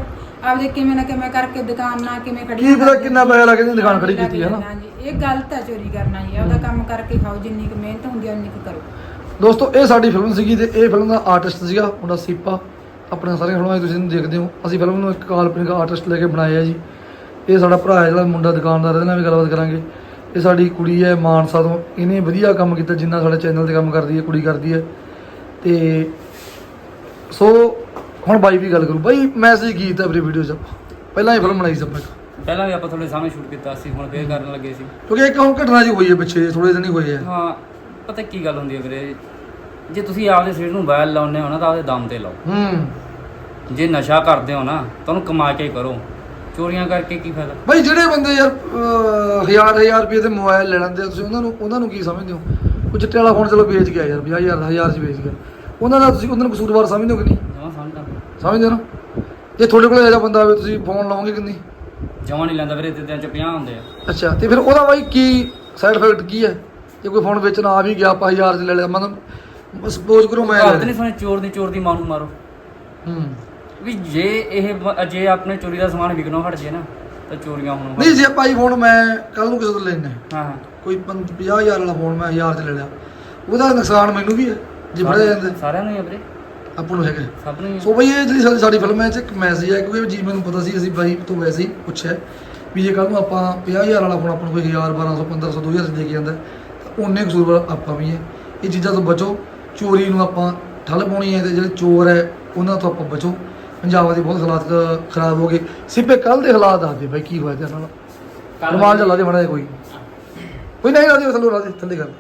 ਆਪਦੇ ਕਿਵੇਂ ਨਾ ਕਿਵੇਂ ਕਰਕੇ ਦੁਕਾਨ ਨਾ ਕਿਵੇਂ ਖੜੀ ਕੀ ਪਤਾ ਕਿੰਨਾ ਪੈਸਾ ਲੱਗ ਜਾਂਦਾ ਦੁਕਾਨ ਖੜੀ ਕੀਤੀ ਹੈ ਨਾ। ਹਾਂਜੀ, ਇਹ ਗਲਤ ਹੈ ਚੋਰੀ ਕਰਨਾ ਜੀ। ਆਪਦਾ ਕੰਮ ਕਰਕੇ ਖਾਓ, ਜਿੰਨੀ ਕੁ ਮਿਹਨਤ ਹੁੰਦੀ ਹੈ ਉਨੀ ਕੁ ਕਰੋ। ਦੋਸਤੋ ਇਹ ਸਾਡੀ ਫਿਲਮ ਸੀਗੀ ਤੇ ਇਹ ਫਿਲਮ ਦਾ ਆਰਟਿਸਟ ਸੀਗਾ ਮੁੰਡਾ ਸੀਪਾ। ਆਪਣੇ ਸਾਰੀਆਂ ਫਿਲਮਾਂ 'ਚ ਤੁਸੀਂ ਇਹਨੂੰ ਦੇਖਦੇ ਹੋ। ਅਸੀਂ ਫਿਲਮ ਨੂੰ ਇੱਕ ਕਾਲਪਨਿਕ ਆਰਟਿਸਟ ਲੈ ਕੇ ਬਣਾਇਆ ਜੀ। ਇਹ ਸਾਡਾ ਭਰਾ ਹੈ ਜਿਹੜਾ ਮੁੰਡਾ ਦੁਕਾਨਦਾਰ, ਇਹਦੇ ਨਾਲ ਵੀ ਗੱਲਬਾਤ ਕਰਾਂਗੇ। ਇਹ ਸਾਡੀ ਕੁੜੀ ਹੈ ਮਾਨਸਾ ਤੋਂ, ਇਹਨੇ ਵਧੀਆ ਕੰਮ ਕੀਤਾ ਜਿੰਨਾ ਸਾਡੇ ਚੈਨਲ ਤੇ ਕੰਮ ਕਰਦੀ ਹੈ ਕੁੜੀ ਕਰਦੀ ਹੈ। ਤੇ ਸੋ ਹੁਣ ਬਾਈ ਵੀ ਗੱਲ ਕਰੂ। ਬਾਈ ਮੈਸੇਜ ਕੀ ਦਿੱਤਾ ਆਪਣੀ ਵੀਡੀਓ 'ਚ ਆਪਾਂ? ਪਹਿਲਾਂ ਹੀ ਫਿਲਮ ਬਣਾਈ ਸੀ ਆਪਾਂ ਇੱਕ, ਪਹਿਲਾਂ ਵੀ ਆਪਾਂ ਤੁਹਾਡੇ ਸਾਹਮਣੇ ਸ਼ੂਟ ਕੀਤਾ ਸੀ, ਹੁਣ ਫੇਰ ਕਰਨ ਲੱਗੇ ਸੀ। ਕਿਉਂਕਿ ਇੱਕ ਹੁਣ ਘਟਨਾ ਜੀ ਹੋਈ ਹੈ ਪਿੱਛੇ, ਥੋੜੇ ਦਿਨ ਹੀ ਹੋਏ ਆ। ਹਾਂ, ਪਤਾ ਕੀ ਗੱਲ ਹੁੰਦੀ ਹੈ ਵੀਰੇ, ਜੇ ਤੁਸੀਂ ਆਪਦੇ ਸਰੀਰ ਨੂੰ ਬੈਲ ਲਾਉਂਦੇ ਹੋ ਨਾ ਤਾਂ ਆਪਦੇ ਦਮ ਤੇ ਲਾਓ। ਹੂੰ ਜੇ ਨਸ਼ਾ ਕਰਦੇ ਹੋ ਨਾ ਤੁਹਾਨੂੰ ਕਮਾ ਕੇ ਕਰੋ, ਚੋਰੀਆਂ ਕਰਕੇ ਕੀ ਫਾਇਦਾ। ਬਾਈ ਜਿਹੜੇ ਬੰਦੇ ਯਾਰ ਅਹ, ਹਜ਼ਾਰ ਹਜ਼ਾਰ ਰੁਪਏ ਦੇ ਮੋਬਾਈਲ ਲੈ ਲੈਂਦੇ ਆ, ਤੁਸੀਂ ਉਹਨਾਂ ਨੂੰ ਉਹਨਾਂ ਨੂੰ ਕੀ ਸਮਝਦੇ ਹੋ? ਉਹ ਚਿੱਟੇ ਵਾਲਾ ਫੋਨ ਚਲੋ ਵੇਚ ਗਿਆ ਯਾਰ, ਪੰਜਾਹ ਹਜ਼ਾਰ ਹਜ਼ਾਰ 'ਚ ਵੇਚ ਗਿਆ, ਉਹਨਾਂ ਦਾ ਤੁਸੀਂ ਉਹਨਾਂ ਨੂੰ ਕਸੂਰਵਾਰ ਸਮਝਦੇ ਹੋ ਕਿ ਨਹੀਂ? ਜਮਾਂ ਸਮਝਦਾ, ਸਮਝਦੇ ਹੋ ਨਾ? ਜੇ ਤੁਹਾਡੇ ਕੋਲ ਇਹੋ ਜਿਹਾ ਬੰਦਾ ਹੋਵੇ ਤੁਸੀਂ ਫੋਨ ਲਾਓਗੇ ਕਿ ਨਹੀਂ? ਜਮਾਂ ਨਹੀਂ ਲੈਂਦਾ ਵੀਰੇ, ਤੇ ਦਿਨ ਚ ਪੰਜਾਹ ਹੁੰਦੇ ਆ। ਅੱਛਾ, ਤੇ ਫਿਰ ਉਹਦਾ ਬਾਈ ਕੀ ਸਾਈਡ ਇਫੈਕਟ ਕੀ ਹੈ? ਜੇ ਕੋਈ ਫੋਨ ਵੇਚਣ ਆ ਵੀ ਗਿਆ, ਆਪਾਂ ਹਜ਼ਾਰ 'ਚ ਲੈ ਲਿਆ, ਮਤਲਬ ਸਪੋਜ਼ ਕਰੋ ਮੈਂ ਘਰ ਤੇ ਨਹੀਂ ਸੁਣੇ ਚੋਰ ਦੀ ਚੋਰ ਦੀ ਮਾਂ ਨੂੰ ਮਾਰੋ। ਹੂੰ ਵੀ ਜੇ ਇਹ ਬ- ਜੇ ਆਪਣੇ ਚੋਰੀ ਦਾ ਸਮਾਨ ਵਿਕਣੋਂ ਹਟ ਜੇ ਨਾ ਤਾਂ ਚੋਰੀਆਂ ਹੋਣੋਂ ਹਟ- ਨਹੀਂ ਜੇ ਭਾਈ ਫੋਨ ਮੈਂ ਕੱਲ ਨੂੰ ਕਿਸੇ ਤੋਂ ਲੈਣਾ ਹਾਂ ਹਾਂ, ਕੋਈ ਪੰਜ- ਪੰਜਾਹ ਹਜ਼ਾਰ ਵਾਲਾ ਫੋਨ ਮੈਂ ਹਜ਼ਾਰ 'ਚ ਲੈ ਲਿਆ, ਉਹਦਾ ਨੁਕਸਾਨ ਮੈਨੂੰ ਵੀ ਹੈ ਜੇ ਫੜਿਆ ਜਾਂਦੇ ਸਾਰਿਆਂ ਨੂੰ ਹੀ ਆ ਵੀਰੇ, ਆਪਾਂ ਨੂੰ ਹੈਗਾ। ਸਭ ਨੂੰ ਹੀ ਆ। ਸੋ ਬਈ ਇਹ ਜਿਹੜੀ ਸਾਡੀ ਸਾਡੀ ਫਿਲਮ ਹੈ ਇਹ 'ਚ ਇੱਕ ਮੈਸੇਜ ਹੈ, ਕਿਉਂਕਿ ਜੀ ਮੈਨੂੰ ਪਤਾ ਸੀ, ਅਸੀਂ ਬਾਈ ਤੋਂ ਵੈਸੇ ਹੀ ਪੁੱਛਿਆ ਵੀ ਜੇ ਕੱਲ ਨੂੰ ਆਪਾਂ ਪੰਜਾਹ ਹਜ਼ਾਰ ਵਾਲਾ ਫੋਨ ਆਪਾਂ ਨੂੰ ਕੋਈ ਹਜ਼ਾਰ ਬਾਰਾਂ ਸੌ ਪੰਦਰਾਂ ਸੌ ਦੋ ਹਜ਼ਾਰ 'ਚ ਦੇ ਕੇ ਜਾਂਦਾ ਤਾਂ ਉਹਨੇ ਕਸੂਰ ਆਪਾਂ ਵੀ ਹੈ। ਇਹ ਚੀਜ਼ਾਂ ਤੋਂ ਬਚੋ, ਚੋਰੀ ਨੂੰ ਆਪਾਂ ਠੱਲ ਪਾਉਣੀ ਹੈ ਤੇ ਜਿਹੜੇ ਚੋਰ ਹੈ ਉਹਨਾਂ ਤੋਂ ਆਪਾਂ ਬਚੋ। ਪੰਜਾਬ ਦੇ ਬਹੁਤ ਹਾਲਾਤ ਖਰਾਬ ਹੋ ਗਏ। ਸਿੱਪੇ ਕੱਲ ਦੇ ਹਾਲਾਤ ਦੱਸਦੇ ਬਾਈ ਕੀ ਹੋਇਆ ਤੇਰੇ ਨਾਲ? ਰਮਾਨ ਚੱਲਾ ਦੇ ਮਾੜਾ ਕੋਈ ਕੋਈ ਨਹੀਂ ਲਾ ਦੇ ਥੱਲੇ ਲਾ ਦੇ ਥੱਲੇ ਕਰ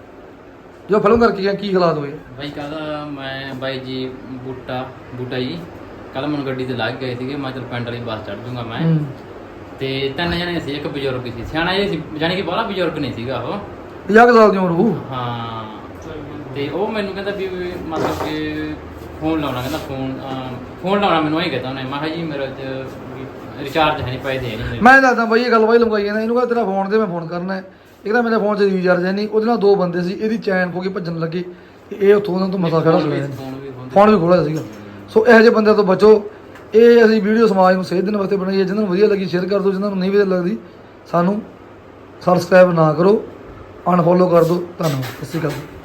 ਜੋ ਫਿਲਮ ਕਰਕੇ ਗਿਆ ਕੀ ਹਾਲਾਤ ਹੋਏ? ਬਾਈ ਕੱਲ ਮੈਂ ਬਾਈ ਜੀ ਬੂਟਾ ਬੂਟਾ ਜੀ ਕੱਲ ਮੈਨੂੰ ਗੱਡੀ ਤੇ ਲੱਗ ਗਏ ਸੀਗੇ। ਮੈਂ ਚਲ ਪਿੰਡ ਵਾਲੀ ਬੱਸ ਚੜ ਜੂੰਗਾ ਮੈਂ। ਹੂੰ ਤੇ ਤਿੰਨ ਜਣੇ ਸੀ, ਇੱਕ ਬਜ਼ੁਰਗ ਸੀ, ਸਿਆਣਾ ਜਿਹਾ ਸੀ, ਜਾਣੀ ਕਿ ਬਾਹਲਾ ਬਜ਼ੁਰਗ ਨਹੀਂ ਸੀਗਾ ਉਹ। ਪੰਜਾਹ ਕੁ ਸਾਲ ਦੀ ਉਮਰ ਹੋਊ। ਹਾਂ, ਤੇ ਉਹ ਮੈਨੂੰ ਕਹਿੰਦਾ ਵੀ ਵੀ ਮਤਲਬ ਕਿ ਫੋਨ ਲਾਉਣਾ, ਕਹਿੰਦਾ ਫੋਨ ਅਹ, ਫੋਨ ਲਾਉਣਾ ਮੈਨੂੰ ਇਹ ਕਹਿੰਦਾ ਉਹਨੇ। ਮੈਂ ਕਿਹਾ ਜੀ ਮੇਰੇ ਚ ਰਿਚਾਰਜ ਹੈ ਨਹੀਂ, ਪੈਸੇ ਹੈ ਨਹੀਂ ਮੇਰੇ। ਮੈਂ ਦੱਸਦਾ ਬਾਈ ਇਹ ਗੱਲ ਬਾਈ ਲਮਕਾਈ ਜਾਂਦਾ, ਇਹਨੂੰ ਕਹਿੰਦਾ ਤੇਰਾ ਫੋਨ ਤੇ ਮੈਂ ਫੋਨ ਕਰਨਾ ਹੈ। ਇਹ ਕਹਿੰਦਾ ਮੇਰੇ ਫੋਨ 'ਚ ਰੀਚਾਰਜ ਹੈ ਨਹੀਂ। ਉਹਦੇ ਨਾਲ ਦੋ ਬੰਦੇ ਸੀ, ਇਹਦੀ ਚੈਨ ਖੋ ਕੇ ਭੱਜਣ ਲੱਗੇ, ਇਹ ਉੱਥੋਂ ਉਹਨਾਂ ਤੋਂ ਮਸਾ ਖੜਾ ਚਲਿਆ। ਫੋਨ ਵੀ ਖੋਹਦੇ। ਫੋਨ ਵੀ ਖੋਲਿਆ ਸੀਗਾ। ਸੋ ਇਹੋ ਜਿਹੇ ਬੰਦਿਆਂ ਤੋਂ ਬਚੋ। ਇਹ ਅਸੀਂ ਵੀਡੀਓ ਸਮਾਜ ਨੂੰ ਸੇਧ ਦੇਣ ਵਾਸਤੇ ਬਣਾਈ ਹੈ। ਜਿਹਨਾਂ ਨੂੰ ਵਧੀਆ ਲੱਗੀ ਸ਼ੇਅਰ ਕਰ ਦਿਓ, ਜਿਹਨਾਂ ਨੂੰ ਨਹੀਂ ਵਧੀਆ ਲੱਗਦੀ ਸਾਨੂੰ ਸਬਸਕ੍ਰਾਈਬ ਨਾ ਕਰੋ, ਅਨਫੋਲੋ ਕਰ ਦਿਓ। ਧੰਨਵਾਦ, ਸਤਿ ਸ਼੍ਰੀ ਅਕਾਲ।